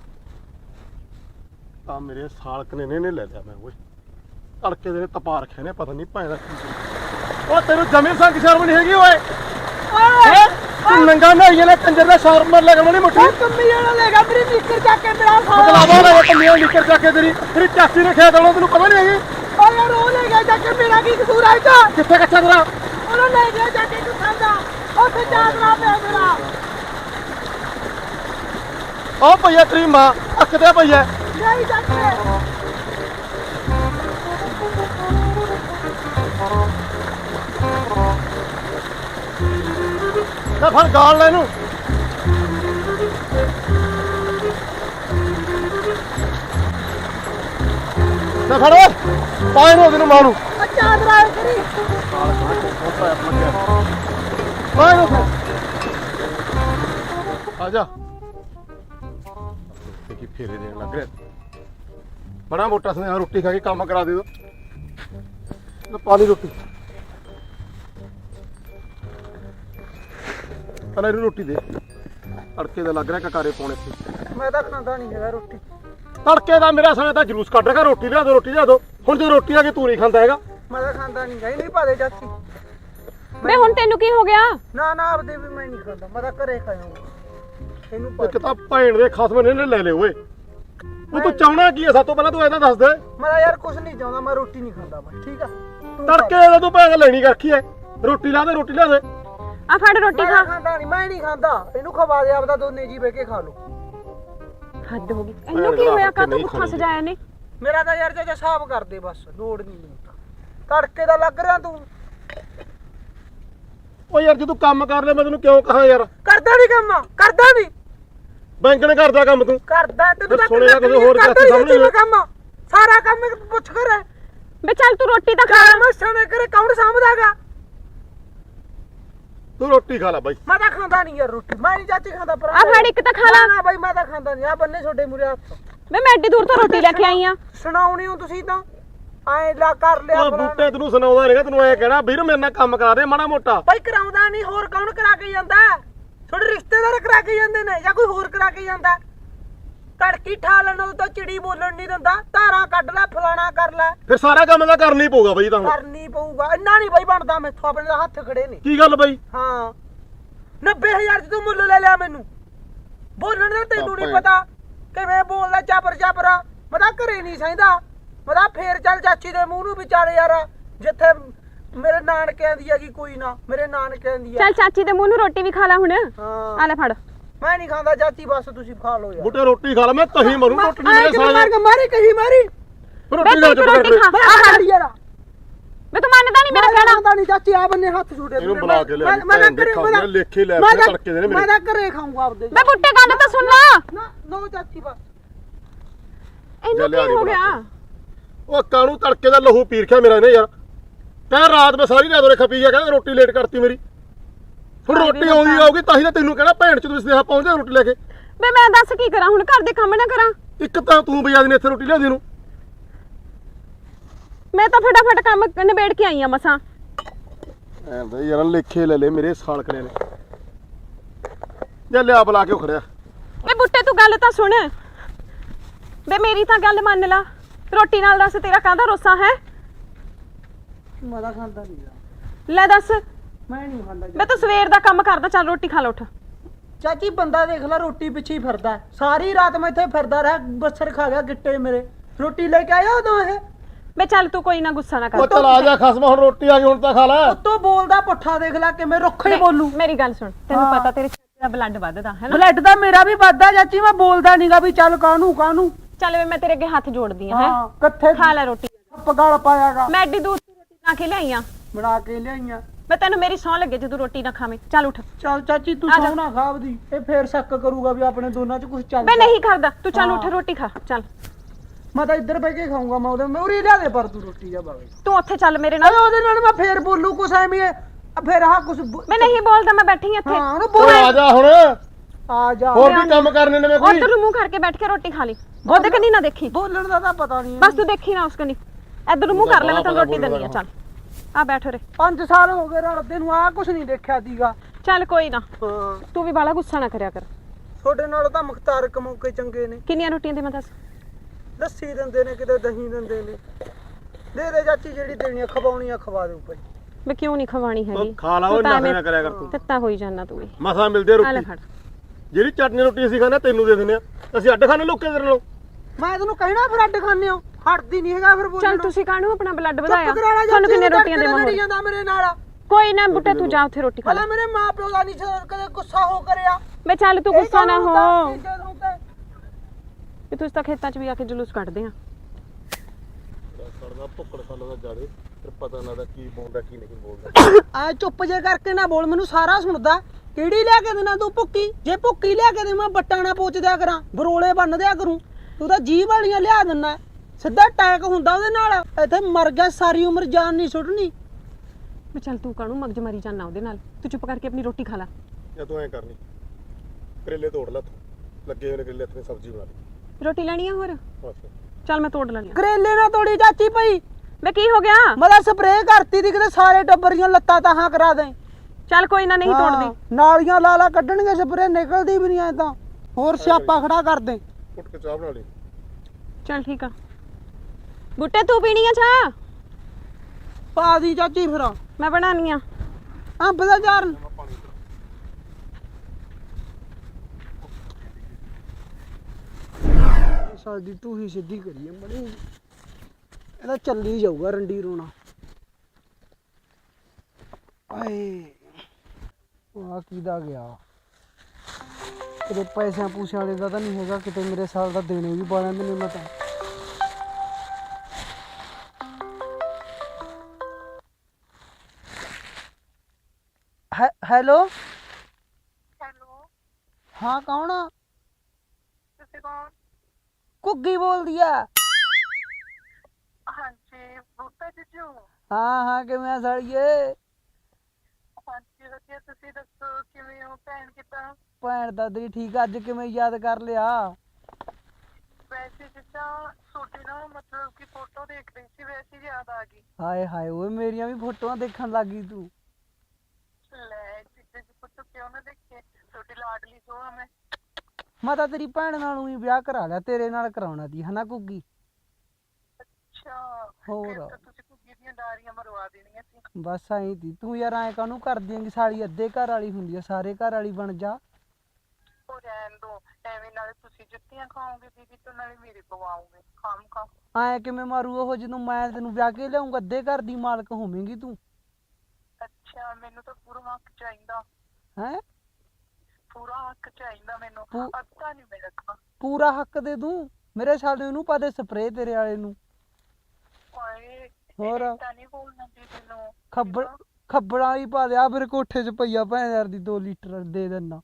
ਆ ਮੇਰੇ ਸਾਲਕ ਨੇ ਲੈ ਲਿਆ ਮੈਂ ਓਏ ਤੜਕੇ ਦੇ ਨੇ ਤਪਾ ਰੱਖੇ ਨੇ ਪਤਾ ਨਹੀਂ ਭਾਂ ਦਾ ਕੀ ਓ ਤੈਨੂੰ ਜ਼ਮੀਨ ਸੰਗ ਸ਼ਰਮ ਨਹੀਂ ਹੈਗੀ ਓਏ ਤੂੰ ਨੰਗਾ ਨਹਾਈ ਨੇ ਕੰਜਰ ਦਾ ਸ਼ਾਰ ਮਾਰ ਲਗਾ ਮਣੀ ਮੁੱਠੀ
ਕੰਮੀ ਵਾਲਾ ਲੈ ਗਿਆ ਮੇਰੀ ਨਿੱਕਰ ਚੱਕ ਕੇ ਮੇਰਾ ਸਾਲਾ
ਬਦਲਾਵਾ ਲੈ ਕੰਮੀਆਂ ਨਿਕਰ ਜਾ ਕੇ ਤੇਰੀ ਚਾਚੀ ਨੇ ਖਿਆ ਦੇਣਾ ਤੈਨੂੰ ਪਤਾ ਨਹੀਂ ਹੈਗੀ
ਓ ਯਾਰ ਉਹ ਲੈ ਗਿਆ ਚੱਕ ਕੇ ਮੇਰਾ ਕੀ ਕਸੂਰ ਆ ਇਹਦਾ
ਕਿੱਥੇ ਕੱਚਾ ਤੇਰਾ
ਉਹਨੂੰ ਲੈ ਗਿਆ ਚੱਕ ਕੇ ਕਿੱਥਾਂ ਦਾ ਉੱਥੇ ਚਾਦਰਾ ਪਿਆ ਮੇਰਾ
ਉਹ ਭਈਆ ਤੇਰੀ ਮਾਂ ਅੱਕਦੇ ਭਈਆ
ਨਹੀਂ ਚੱਕ ਕੇ
ਲੈ ਫੜ ਗਾਲ ਲੈ ਇਹਨੂੰ ਲੈ ਫੜ ਓਏ ਪਾਏ ਨੂੰ ਉਹਨੂੰ ਮਾਰੂ
ਆ ਚਾਦਰਾ ਕਰੀ
ਪਾਏ ਨੂੰ ਆ ਜਾ ਕੀ ਫੇਰੇ ਦੇਣ ਲੱਗ ਰਿਹਾ ਬੜਾ ਮੋਟਾ ਸੁਨੇਹਾ ਰੋਟੀ ਖਾ ਕੇ ਕੰਮ ਕਰਾ ਦੇ ਦੋ ਲੈ ਪਾ ਲਈ ਰੋਟੀ ਪਹਿਲਾਂ ਇਹਨੂੰ ਰੋਟੀ ਦੇ ਤੜਕੇ ਦਾ ਲੱਗ ਰਿਹਾ ਕਕਾਰੇ ਪਾਉਣੇ ਇੱਥੇ
ਮੈਂ ਤਾਂ ਖਾਂਦਾ ਨਹੀਂ ਹੈਗਾ ਰੋਟੀ
ਤੜਕੇ ਦਾ ਮੇਰਾ ਸਾਲਾ ਤਾਂ ਜਲੂਸ ਕੱਢ ਰਿਹਾ ਰੋਟੀ ਲਿਆ ਦੋ ਹੁਣ ਜੇ ਰੋਟੀ ਆ ਕੇ ਤੂੰ ਨਹੀਂ ਖਾਂਦਾ ਹੈਗਾ
ਮੈਂ ਤਾਂ ਖਾਂਦਾ ਨਹੀਂ ਗਈ ਨਹੀਂ ਪਾਦੇ ਚਾਚੀ
ਬੇ ਹੁਣ ਤੈਨੂੰ ਕੀ ਹੋ ਗਿਆ?
ਨਾ ਨਾ ਆਪਦੇ ਵੀ ਮੈਂ ਨਹੀਂ ਖਾਂਦਾ ਮੈਂ ਤਾਂ ਘਰੇ ਖਾਉਂਗਾ ਇਹਨੂੰ ਪਾ
ਇੱਕ ਤਾਂ ਭੈਣ ਦੇ ਖਸਮ ਨੇ ਲੈ ਲੈ ਓਏ ਉਹ ਤੂੰ ਚਾਹਣਾ ਕੀ ਹੈ ਸਭ ਤੋਂ ਪਹਿਲਾਂ ਤੂੰ ਇਹਦਾ ਦੱਸ ਦੇ
ਮੈਂ ਤਾਂ ਯਾਰ ਕੁਝ ਨਹੀਂ ਚਾਹੁੰਦਾ ਮੈਂ ਰੋਟੀ ਨਹੀਂ ਖਾਂਦਾ ਮੈਂ ਠੀਕ ਆ ਤੂੰ
ਤੜਕੇ ਦਾ ਤੂੰ ਭੈਣ ਲੈਣੀ ਰੱਖੀ ਐ ਰੋਟੀ ਲਾ ਦੇ
ਆ ਫੜ ਰੋਟੀ
ਮੈਂ
ਖਾ।
ਖਾਂਦਾ ਨਹੀਂ ਮੈਂ ਨਹੀਂ ਖਾਂਦਾ ਇਹਨੂੰ ਖਵਾ ਦੇ ਆਪਦਾ ਦੋਨੇ ਜੀ ਬਹਿ ਕੇ ਖਾ ਲਓ
ਹੱਦ ਹੋ ਗਈ। ਇਹਨੂੰ ਕੀ ਹੋਇਆ? ਕਾ ਤੂੰ ਪੁੱਠਾ ਸਜਾਇਆ ਨੇ?
ਮੇਰਾ ਤਾਂ ਯਾਰ ਜੇ ਹਿਸਾਬ ਕਰ ਦੇ ਬਸ ਲੋੜ ਨਹੀਂ ਮੈਨੂੰ ਤਾਂ ਤੜਕੇ ਦਾ ਲੱਗ ਰਿਹਾ ਤੂੰ
ਓ ਯਾਰ ਜੇ ਤੂੰ ਕੰਮ ਕਰ ਲੈ ਮੈਂ ਤੈਨੂੰ ਕਿਉਂ ਕਹਾਂ ਯਾਰ
ਕਰਦਾ ਨਹੀਂ ਕੰਮ ਕਰਦਾ ਨਹੀਂ
ਬੈਂਕ ਨੇ ਕਰਦਾ ਕੰਮ ਤੂੰ
ਕਰਦਾ ਤੈਨੂੰ ਤਾਂ
ਸੁਣਿਆ ਕਿਸੇ ਹੋਰ
ਕਰਦਾ
ਚਾਚੀ ਸਾਹਮਣੇ
ਨਹੀਂ ਕੰਮ ਸਾਰਾ ਕੰਮ ਪੁੱਛ ਕਰ
ਬੇ ਚੱਲ ਤੂੰ ਰੋਟੀ ਤਾਂ ਖਾ।
ਮੈਂ ਸਾਹਮਣੇ ਕਰੇ ਕੌਣ ਸਾਂਭਦਾਗਾ
ਤੂੰ ਰੋਟੀ ਖਾ ਲੈ ਬਾਈ
ਮੈਂ ਤਾਂ ਖਾਂਦਾ ਨਹੀਂ ਯਾਰ ਰੋਟੀ ਮੈਂ ਨਹੀਂ ਚਾਚੀ ਖਾਂਦਾ ਪਰ
ਆ ਫੜ ਇੱਕ ਤਾਂ ਖਾ ਲਾ।
ਨਾ ਬਾਈ ਮੈਂ ਤਾਂ ਖਾਂਦਾ ਨਹੀਂ ਆ ਬੰਨੇ ਛੋਟੇ ਮੁਰੇ ਹੱਥ
ਬੇ ਮੈਂ ਐਡੀ ਦੂਰ ਤੋਂ ਰੋਟੀ ਲੈ ਕੇ ਆਈ ਆ।
ਸੁਣਾਉਣੀ ਹੋ ਤੁਸੀਂ ਤਾਂ ਐ ਲਾ ਕਰ ਲਿਆ
ਉਹ ਬੂਟੇ ਤੈਨੂੰ ਸੁਣਾਉਂਦਾ ਨਹੀਂਗਾ ਤੈਨੂੰ ਐ ਕਹਿਣਾ ਵੀਰ ਮੇਰੇ ਨਾਲ ਕੰਮ ਕਰਾ ਦੇ ਮਾੜਾ ਮੋਟਾ
ਬਾਈ ਕਰਾਉਂਦਾ ਨਹੀਂ ਹੋਰ ਕੌਣ ਕਰਾ ਕੇ ਜਾਂਦਾ ਤੁਹਾਡੇ ਰਿਸ਼ਤੇਦਾਰ ਕਰਾ ਕੇ ਜਾਂਦੇ ਨੇ ਜਾਂ ਕੋਈ ਹੋਰ ਕਰਾ ਕੇ ਜਾਂਦਾ ਤੜਕੀ ਠਾ ਲੈਣ ਉਹ ਤਾਂ ਚਿੜੀ ਬੋਲਣ ਨਹੀਂ ਦਿੰਦਾ ਧਾਰਾਂ ਕੱਢ ਲੈ ਫਲਾਣਾ ਕਰ ਲੈ
ਫਿਰ ਸਾਰਾ ਕੰਮ ਤਾਂ ਕਰਨਾ ਹੀ ਪਊਗਾ ਬਾਈ ਤਾਂ ਹੁਣ
ਕਰਨੀ ਪਊਗਾ ਇੰਨਾ ਨਹੀਂ ਬਾਈ ਬਣਦਾ ਮੈਥੋਂ ਆਪਣੇ ਦਾ ਹੱਥ ਖੜੇ ਨੇ
ਕੀ ਗੱਲ ਬਾਈ
ਹਾਂ 90000 ਚ ਤੂੰ ਮੁੱਲ ਲੈ ਲਿਆ ਮੈਨੂੰ ਬੋਲਣ ਦਾ ਤੈਨੂੰ ਨਹੀਂ ਪਤਾ ਕਿਵੇਂ ਬੋਲਦਾ ਚਾਪਰਾ ਮੈਂ ਤਾਂ ਘਰੇ ਨਹੀਂ ਸਹਿੰਦਾ ਮੈਂ ਤਾਂ ਫੇਰ ਚੱਲ ਚਾਚੀ ਦੇ ਮੂੰਹ ਨੂੰ ਵਿਚਾਰੇ ਯਾਰ ਜਿੱਥੇ ਮੇਰੇ ਨਾਨਕਿਆਂ ਦੀ ਹੈਗੀ ਕੋਈ ਨਾ ਮੇਰੇ ਨਾਨਕਿਆਂ ਦੀ ਆ
ਚੱਲ ਚਾਚੀ ਦੇ ਮੂੰਹ ਨੂੰ ਰੋਟੀ ਵੀ ਖਾ ਲੈ ਹੁਣ।
ਹਾਂ
ਆ ਲੈ ਫੜ।
ਮੈਂ ਨਹੀਂ ਖਾਂਦਾ ਚਾਚੀ ਬਸ ਤੁਸੀਂ ਖਾ ਲਓ ਯਾਰ
ਬੂਟੇ ਰੋਟੀ ਖਾ ਲੈ ਮੈਂ ਤਹੀਂ ਮਰੂ ਰੋਟੀ ਨਹੀਂ ਮੇਰੇ ਸਾਲੇ
ਮਾਰੀ ਕਹੀ ਮਾਰੀ
ਬੇ
ਰੋਟੀ
ਤੂੰ
ਦਾ
ਰੋਟੀ ਖਾ। ਆ ਫੜ।
ਯਾਰ
ਬੇ ਤੂੰ ਮੰਨਦਾ ਨਹੀਂ ਮੇਰਾ ਕਹਿਣਾ?
ਖਾਂਦਾ ਨਹੀਂ ਚਾਚੀ ਆ ਬੰਨੇ ਹੱਥ ਛੋਟੇ
ਇਹਨੂੰ ਬੁਲਾ ਕੇ ਲਿਆ
ਮੈਂ ਤਾਂ ਘਰੇ
ਮੈਂ ਲੇਖੇ ਲੈ
ਮੈਂ
ਕੇ ਤੜਕੇ ਦੇ ਨੇ
ਮੈਂ
ਮੇਰੇ
ਤਾਂ ਘਰੇ ਖਾਊਂਗਾ ਆਪਦੇ
ਬੇ ਬੁੱਟੇ ਗੱਲ ਤਾਂ ਸੁਣ ਲਾ।
ਨਾ ਨੋ ਚਾਚੀ ਬਸ
ਇਹਨੂੰ ਕੀ ਹੋ ਗਿਆ?
ਉਹ ਕਾਣੂ ਤੜਕੇ ਦਾ ਲਹੂ ਪੀਰ ਖਿਆ ਮੇਰਾ ਇਹਨੇ ਯਾਰ ਕਹਿ ਰਾਤ ਮੈਂ ਸਾਰੀ ਰਾਤ ਉਹਨੇ ਖਪੀ ਗਿਆ ਕਹਿੰਦਾ ਰੋਟੀ ਲੇਟ ਕਰਤੀ ਮੇਰੀ ਹੁਣ ਰੋਟੀ ਆਉਂਦੀ ਆਉਗੀ ਤਾਂ ਹੀ ਤਾਂ ਤੈਨੂੰ ਕਹਿਣਾ ਭੈਣ ਚ ਤੂੰ ਸਨੇਹਾ ਪਹੁੰਚ ਜਾ ਰੋਟੀ ਲੈ ਕੇ
ਬੇ ਮੈਂ ਦੱਸ ਕੀ ਕਰਾਂ ਹੁਣ? ਘਰ ਦੇ ਕੰਮ ਨਾ ਕਰਾਂ?
ਇੱਕ ਤਾਂ ਤੂੰ ਬਜਾ ਦੇ ਨੇ ਇੱਥੇ ਰੋਟੀ ਲਿਆਉਂਦੀ ਨੂੰ
ਮੈਂ ਤਾਂ ਫਟਾਫਟ ਕੰਮ ਨਿਬੇੜ ਕੇ ਆਈ ਆ ਮਸਾਂ।
ਐਂਦਾ ਯਾਰ ਲੇਖੇ ਲੈ ਲੈ ਮੇਰੇ ਸਾਲਕਣੇ ਨੇ ਜਾ ਲਿਆ ਬੁਲਾ ਕੇ ਉਹ ਖੜਿਆ
ਬੇ ਬੁੱਟੇ ਤੂੰ ਗੱਲ ਤਾਂ ਸੁਣ। ਬੇ ਮੇਰੀ ਤਾਂ ਗੱਲ ਮੰਨ ਲਾ। ਰੋਟੀ ਨਾਲ ਦੱਸ ਤੇਰਾ ਕਾਹਦਾ ਰੋਸਾ ਹੈ?
ਮੈਂ ਤਾਂ ਖਾਂਦਾ ਨਹੀਂ
ਲੈ ਦੱਸ।
ਮੈਂ ਨਹੀਂ ਖਾਂਦਾ
ਬੇ ਤੂੰ ਸਵੇਰ ਦਾ ਕੰਮ ਕਰਦਾ, ਚੱਲ ਰੋਟੀ ਖਾ ਲੈ ਉੱਠ।
ਚਾਚੀ ਬੰਦਾ ਦੇਖ ਲੈ ਰੋਟੀ ਪਿੱਛੇ ਹੀ ਫਿਰਦਾ ਹੈ। ਸਾਰੀ ਰਾਤ ਮੈਂ ਇੱਥੇ ਫਿਰਦਾ ਰਿਹਾ ਬੱਸਰ ਖਾ ਗਿਆ ਗਿੱਟੇ ਮੇਰੇ ਰੋਟੀ ਲੈ ਕੇ ਆਇਆ ਉਦੋਂ ਇਹ
ਬੇ ਚੱਲ ਤੂੰ ਕੋਈ ਨਾ ਗੁੱਸਾ ਨਾ ਕਰ।
ਉਹ ਚਲ ਆ ਜਾ ਖਸਮ ਹੁਣ ਰੋਟੀ ਆ ਗਈ ਹੁਣ ਤਾਂ ਖਾ ਲੈ
ਉੱਤੋਂ ਬੋਲਦਾ ਪੁੱਠਾ ਦੇਖ ਲੈ ਕਿਵੇਂ ਰੁੱਖਾ ਹੀ ਬੋਲੂ
ਮੇਰੀ ਗੱਲ ਸੁਣ, ਤੈਨੂੰ
ਹਾਂ।
ਪਤਾ ਤੇਰੇ ਚਾਚੇ ਦਾ ਬਲੱਡ ਵੱਧਦਾ ਹੈ ਨਾ।
ਬਲੱਡ ਦਾ ਮੇਰਾ ਵੀ ਵੱਧਦਾ ਚਾਚੀ ਮੈਂ ਬੋਲਦਾ ਨਹੀਂਗਾ ਵੀ ਚੱਲ ਕਾਹਨੂੰ
ਚੱਲ ਵੇ ਮੈਂ ਤੇਰੇ ਅੱਗੇ ਹੱਥ ਜੋੜਦੀ ਆ ਹੈ।
ਹਾਂ ਕਿੱਥੇ
ਖਾ ਲੈ ਰੋਟੀ।
ਪਗਾਲ ਪਾਇਆਗਾ
ਮੈਂ ਐਡੀ ਦੂਰ ਤੋਂ ਰੋਟੀ ਬਣਾ ਕੇ ਲਿਆਈ ਆ।
ਬਣਾ ਕੇ ਲਿਆਈਆਂ
ਮੈਂ ਤੈਨੂੰ ਮੇਰੀ ਸੌਂ ਲੱਗੇ ਜੇ ਤੂੰ ਰੋਟੀ ਨਾ ਖਾਵੇਂ। ਚੱਲ ਉੱਠ।
ਚੱਲ ਚਾਚੀ ਤੂੰ
ਆ ਜਾ।
ਸੌਣਾ ਖਾਵਦੀ ਇਹ ਫੇਰ ਸ਼ੱਕ ਕਰੂਗਾ ਵੀ ਆਪਣੇ ਦੋਨਾਂ 'ਚ ਕੁਝ ਚੱਲਦਾ
ਬੇ ਨਹੀਂ ਕਰਦਾ ਤੂੰ, ਚੱਲ
ਹਾਂ।
ਉੱਠ ਰੋਟੀ ਖਾ। ਚੱਲ
ਮੈਂ ਤਾਂ ਇੱਧਰ ਬਹਿ ਕੇ ਖਾਊਂਗਾ ਮੈਂ ਉਹਦੇ ਮੈਂ ਉਰੀ ਲਿਆ ਦੇ ਪਰ ਤੂੰ ਰੋਟੀ ਜਾ ਬਾਵੇ
ਤੂੰ ਉੱਥੇ ਚੱਲ ਮੇਰੇ ਨਾਲ।
ਅਰੇ ਉਹਦੇ ਨਾਲ ਮੈਂ ਫੇਰ ਬੋਲੂ ਕੁਛ ਐਵੇਂ ਫੇਰ ਆਹ ਕੁਛ
ਮੈਂ ਨਹੀਂ ਬੋਲਦਾ, ਮੈਂ ਬੈਠੀ ਆ ਇੱਥੇ।
ਹਾਂ ਉਹਨੂੰ
ਓਏ
ਬੋਲ
ਆ ਜਾ ਹੁਣ
ਆ ਜਾ
ਹੋਰ ਵੀ ਕੰਮ ਕਰਨੇ ਨੇ ਮੈਂ ਕੋਈ
ਉੱਧਰ ਨੂੰ ਮੂੰਹ ਕਰਕੇ ਬੈਠ ਕੇ ਰੋਟੀ ਖਾ ਲਈ। ਉਹਦੇ ਕੰਨੀ ਨਾ ਦੇਖੀ,
ਬੋਲਣ ਦਾ ਤਾਂ ਪਤਾ ਨਹੀਂ
ਬਸ ਤੂੰ ਦੇਖੀ ਨਾ ਉਸ ਕੰਨੀ। ਇੱਧਰ ਨੂੰ ਮੂੰਹ ਕਰ ਲੈ, ਮੈਂ ਤੈਨੂੰ ਰੋਟੀ ਦਿੰਦੀ ਆ। ਚੱਲ ਆ ਬੈਠ ਉਰੇ।
5 ਸਾਲ ਹੋ ਗਏ ਰਲਦੇ ਨੂੰ ਆ ਕੁਛ ਨਹੀਂ ਦੇਖਿਆ ਸੀਗਾ
ਚੱਲ ਕੋਈ ਨਾ,
ਹਾਂ
ਤੂੰ ਵੀ ਬਾਲਾ ਗੁੱਸਾ ਨਾ ਕਰਿਆ ਕਰ।
ਤੁਹਾਡੇ ਨਾਲ ਤਾਂ ਮੁਖਤਾਰ ਕਮੌਕੇ ਚੰਗੇ ਨੇ
ਕਿੰਨੀਆਂ ਰੋਟੀਆਂ ਦੇ ਮੈਂ ਦੱਸ?
ਲੱਸੀ ਦਿੰਦੇ ਨੇ ਕਿਤੇ ਦਹੀਂ ਦਿੰਦੇ ਨੇ ਦੇ ਚਾਚੀ ਜਿਹੜੀ ਦੇਣੀ ਆ ਖਵਾਉਣੀ ਆ ਖਵਾ ਦਿਓ ਭਾਈ
ਮੈਂ ਕਿਉਂ ਨਹੀਂ ਖਵਾਣੀ ਹੈਗੀ
ਉਹ ਖਾ ਲਾ ਉਹ
ਤੂੰ ਤਾਂ
ਨਖਰੇ ਨਾ
ਐਵੇਂ
ਕਰਿਆ ਕਰ ਤੂੰ
ਤੱਤਾ ਹੋਈ ਜਾਣਾ ਤੂੰ ਵੀ
ਮਸਾਂ ਮਿਲਦੇ
ਆ ਲੈ
ਰੋਟੀ
ਫੜ
ਜਿਹੜੀ ਚਟਨੀ ਰੋਟੀ ਅਸੀਂ ਖਾਂਦੇ ਤੈਨੂੰ ਦੇ ਦਿੰਦੇ ਆ ਅਸੀਂ ਅੱਡ ਖਾਣੇ ਲੋਕਾਂ ਦੇ ਨਾਲੋਂ
ਮੈਂ ਤੈਨੂੰ ਕਹਿਣਾ ਫਿਰ ਅੱਡ ਖਾਣੇ ਹੋ ਹਟਦੀ ਨਹੀਂ ਹੈਗਾ ਫਿਰ ਬੋਲਣਾ
ਚੱਲ ਤੁਸੀਂ ਕਾਹਨੂੰ ਆਪਣਾ ਬਲੱਡ ਵਧਾਇਆ
ਤੁਹਾਨੂੰ
ਤੁਹਾਨੂੰ ਕਿੰਨੇ ਰੋਟੀਆਂ ਦੇਵਾਂ
ਲੜੀ
ਹੋਰ
ਜਾਂਦਾ ਮੇਰੇ ਨਾਲ
ਕੋਈ ਨਾ ਬੁੱਟੇ ਤੂੰ ਜਾ ਉੱਥੇ ਰੋਟੀ ਖਾ ਲੈ
ਭਲਾ ਮੇਰੇ ਮਾਂ ਪਿਓ ਦਾ ਨਹੀਂ ਕਦੇ ਗੁੱਸਾ ਹੋ ਕਰਿਆ
ਮੈਂ ਚੱਲ ਤੂੰ ਗੁੱਸਾ ਨਾ ਹੋ
ਹੋ
ਕਿ ਤੁਸੀਂ ਤਾਂ ਖੇਤਾਂ 'ਚ ਵੀ ਆ ਕੇ ਜਲੂਸ ਕੱਢਦੇ ਆ
ਕਰਦਾ ਭੁੱਕੜ ਸਾਲਾਂ ਦਾ ਜਾੜੇ ਫਿਰ ਪਤਾ ਲੱਗਦਾ ਕੀ ਬੋਲਦਾ ਕੀ ਨਹੀਂ ਬੋਲਦਾ
ਆ ਚੁੱਪ ਜੇ ਕਰਕੇ ਨਾ ਬੋਲ ਮੈਨੂੰ ਸਾਰਾ ਸੁਣਦਾ ਕਿਹੜੀ ਲਿਆ ਕੇ ਦੇਣਾ ਤੂੰ ਭੁੱਕੀ ਜੇ ਭੁੱਕੀ ਲਿਆ ਕੇ ਦੇ ਮੈਂ ਬੱਟਾ ਨਾ ਪੋਚ ਦਿਆ ਕਰਾਂ ਬਰੋਲੇ ਬੰਨ ਦਿਆ ਕਰੂੰ ਤੂੰ ਤਾਂ ਜੀਭ ਵਾਲੀਆਂ ਲਿਆ ਦਿੰਨਾ ਸਿੱਧਾ ਅਟੈਕ ਹੁੰਦਾ ਉਹਦੇ ਨਾਲ ਇੱਥੇ ਮਰ ਗਿਆ ਸਾਰੀ ਉਮਰ ਜਾਨ ਨਹੀਂ ਸੁੱਟਣੀ
ਮੈਂ ਚੱਲ ਤੂੰ ਕਾਹਨੂੰ ਮਗਜ ਮਾਰੀ ਜਾਣਾ ਉਹਦੇ ਨਾਲ ਤੂੰ ਚੁੱਪ ਕਰਕੇ ਆਪਣੀ ਰੋਟੀ ਖਾ ਲੈ
ਜਾਂ ਤੂੰ ਐਂ ਕਰਨੀ ਕਰੇਲੇ ਤੋੜ ਲੈ ਤੂੰ ਲੱਗੇ ਹੋਏ ਨੇ ਕਰੇਲੇ ਇੱਥੇ ਸਬਜ਼ੀ ਬਣਾ ਲਈ
ਰੋਟੀ ਲੈਣੀ ਆ ਹੋਰ
ਬਸ
ਚੱਲ ਮੈਂ ਤੋੜ ਲੈਣੀ ਆ
ਕਰੇਲੇ ਨਾ ਤੋੜੀ ਚਾਚੀ ਪਈ
ਵੇ ਕੀ ਹੋ ਗਿਆ
ਮੈਂ ਤਾਂ ਸਪਰੇਅ ਕਰਤੀ ਦੀ ਕਿਤੇ ਸਾਰੇ ਟੱਬਰੀਆਂ ਲੱਤਾਂ ਤਾਹਾਂ ਕਰਾ ਦੇ
ਚੱਲ ਕੋਈ ਨਾ ਨਹੀਂ ਤੋੜਦੀ
ਨਾਲੀਆਂ ਲਾਲਾ ਕੱਢਣਗੇ ਸਪਰੇਅ ਨਿਕਲਦੀ ਵੀ ਨਹੀਂ ਐ ਤਾਂ ਹੋਰ ਸਿਆਪਾ ਖੜਾ ਕਰ ਦੇ
ਉੱਠ ਕੇ ਚਾਹ ਬਣਾ ਲਈ
ਚੱਲ ਠੀਕ ਆ ਬੁੱਟੇ ਤੂੰ ਪੀਣੀ ਆ ਚਾਹ
ਪਾ ਦੀ ਚਾਚੀ ਫਿਰ
ਮੈਂ ਬਣਾਉਣੀ ਆ
ਅੰਬ ਦਾ ਚਾਰ ਸਾਡੀ ਟੂਹੀ ਸਿੱਧੀ ਕਰੀਏ ਮੜੀ ਇਹਦਾ ਚੱਲੀ ਜਾਊਗਾ ਰੰਡੀ ਰੋਣਾ ਆਏ ਆ ਕਿਦਾ ਗਿਆ ਕਿਤੇ ਪੈਸਿਆਂ ਪੂਸਿਆਂ ਵਾਲੇ ਦਾ ਤਾਂ ਨਹੀਂ ਹੈਗਾ ਕਿਤੇ ਮੇਰੇ ਸਾਲ ਦਾ ਦੇਣੇ ਵੀ ਪਾ ਲੈਂਦੇ ਨੇ ਮੈਂ ਤਾਂ ਹੈਲੋ
ਹੈਲੋ
ਹਾਂ ਕੌਣ ਆ
ਤੁਸੀਂ ਕੌਣ?
ਘੁੱਗੀ ਬੋਲਦੀ ਆ
ਹਾਂਜੀ ਬੂਟਾ ਜੀਜੂ।
ਹਾਂ ਕਿਵੇਂ ਆ ਸਾਲੀਏ
ਹਾਂਜੀ ਵਧੀਆ ਤੁਸੀਂ ਦੱਸੋ ਕਿਵੇਂ ਹੋ ਭੈਣ ਕਿੱਦਾਂ?
ਭੈਣ ਦਾ ਤੇਰੀ ਠੀਕ ਅੱਜ ਕਿਵੇਂ ਯਾਦ ਕਰ ਲਿਆ
ਵੈਸੇ ਜਿੱਦਾਂ ਤੁਹਾਡੀ ਨਾ ਮਤਲਬ ਕਿ ਫੋਟੋ ਦੇਖ ਰਹੀ ਸੀ ਵੈਸੇ ਹੀ ਯਾਦ ਆ ਗਈ।
ਹਾਏ ਓਏ ਮੇਰੀਆਂ ਵੀ ਫੋਟੋਆਂ ਦੇਖਣ ਲੱਗ ਗਈ ਤੂੰ
ਲੈ ਜੀਜੂ ਜੀ ਫੋਟੋ ਕਿਉਂ ਨਾ ਦੇਖੇ ਤੁਹਾਡੀ ਲਾਡਲੀ ਸੋ ਆ
ਮੈਂ ਤਾਂ ਤੇਰੀ ਭੈਣ ਨਾਲ ਹੀ ਵਿਆਹ ਕਰਾ ਲਿਆ ਤੇਰੇ ਨਾਲ ਕਰਾਉਣਾ ਸੀ ਹਨਾ ਘੁੱਗੀ
ਅੱਛਾ
ਹੋਰ।
ਫਿਰ ਤਾਂ ਤੁਸੀਂ ਕੁੱਗੀ ਦੀਆਂ ਡਾਰੀਆਂ ਮਰਵਾ ਦੇਣੀਆਂ ਸੀ।
ਬਸ ਆਈ ਤੀ ਤੂੰ ਯਾਰ ਐਂ ਕਾਹਨੂੰ ਕਰਦੀ ਆਂ ਕਿ ਸਾਲੀ ਅੱਧੇ ਘਰ ਵਾਲੀ ਹੁੰਦੀ ਆ ਸਾਰੇ ਘਰ ਵਾਲੀ ਬਣ ਜਾ
ਉਹ ਰਹਿਣ ਦੋ ਐਵੇਂ ਨਾਲੇ ਤੁਸੀਂ ਜੁੱਤੀਆਂ ਖਾਓਗੇ ਦੀਦੀ ਤੋਂ ਨਾਲੇ ਮੇਰੇ ਪਵਾਓਗੇ ਖਾਮ ਖਾ।
ਐਂ ਕਿਵੇਂ ਮਾਰੂ ਉਹ ਜਦੋਂ ਮੈਂ ਤੈਨੂੰ ਵਿਆਹ ਕੇ ਲਿਆਉਂਗਾ ਅੱਧੇ ਘਰ ਦੀ ਮਾਲਕ ਹੋਵੇਂਗੀ ਤੂੰ
ਅੱਛਾ ਮੈਨੂੰ ਤਾਂ ਪੂਰਾ ਹੱਕ ਚਾਹੀਦਾ
ਹੈਂ
ਪੂਰਾ ਹੱਕ ਚਾਹੀਦਾ ਮੈਨੂੰ
ਪੂ-
ਅੱਧਾ ਨਹੀਂ ਮੈਂ ਰੱਖਣਾ।
ਪੂਰਾ ਹੱਕ ਦੇ ਦੂੰ ਮੇਰੇ ਸਾਲੇ ਨੂੰ ਪਾ ਦੇ ਸਪਰੇਅ ਤੇਰੇ ਵਾਲੇ ਨੂੰ
ਓਏ
ਹੋਰ?
ਤਾਂ ਨਹੀਂ ਬੋਲਣਾ ਦੀਦੀ ਨੂੰ
ਖੱਬੜਾਂ ਹੀ ਪਾ ਦੇ ਆ ਮੇਰੇ ਕੋਠੇ 'ਚ ਪਈਆ ਭੈਣ ਯਾਰ ਦੀ 2 ਲੀਟਰ ਦੇ ਦੇਣਾ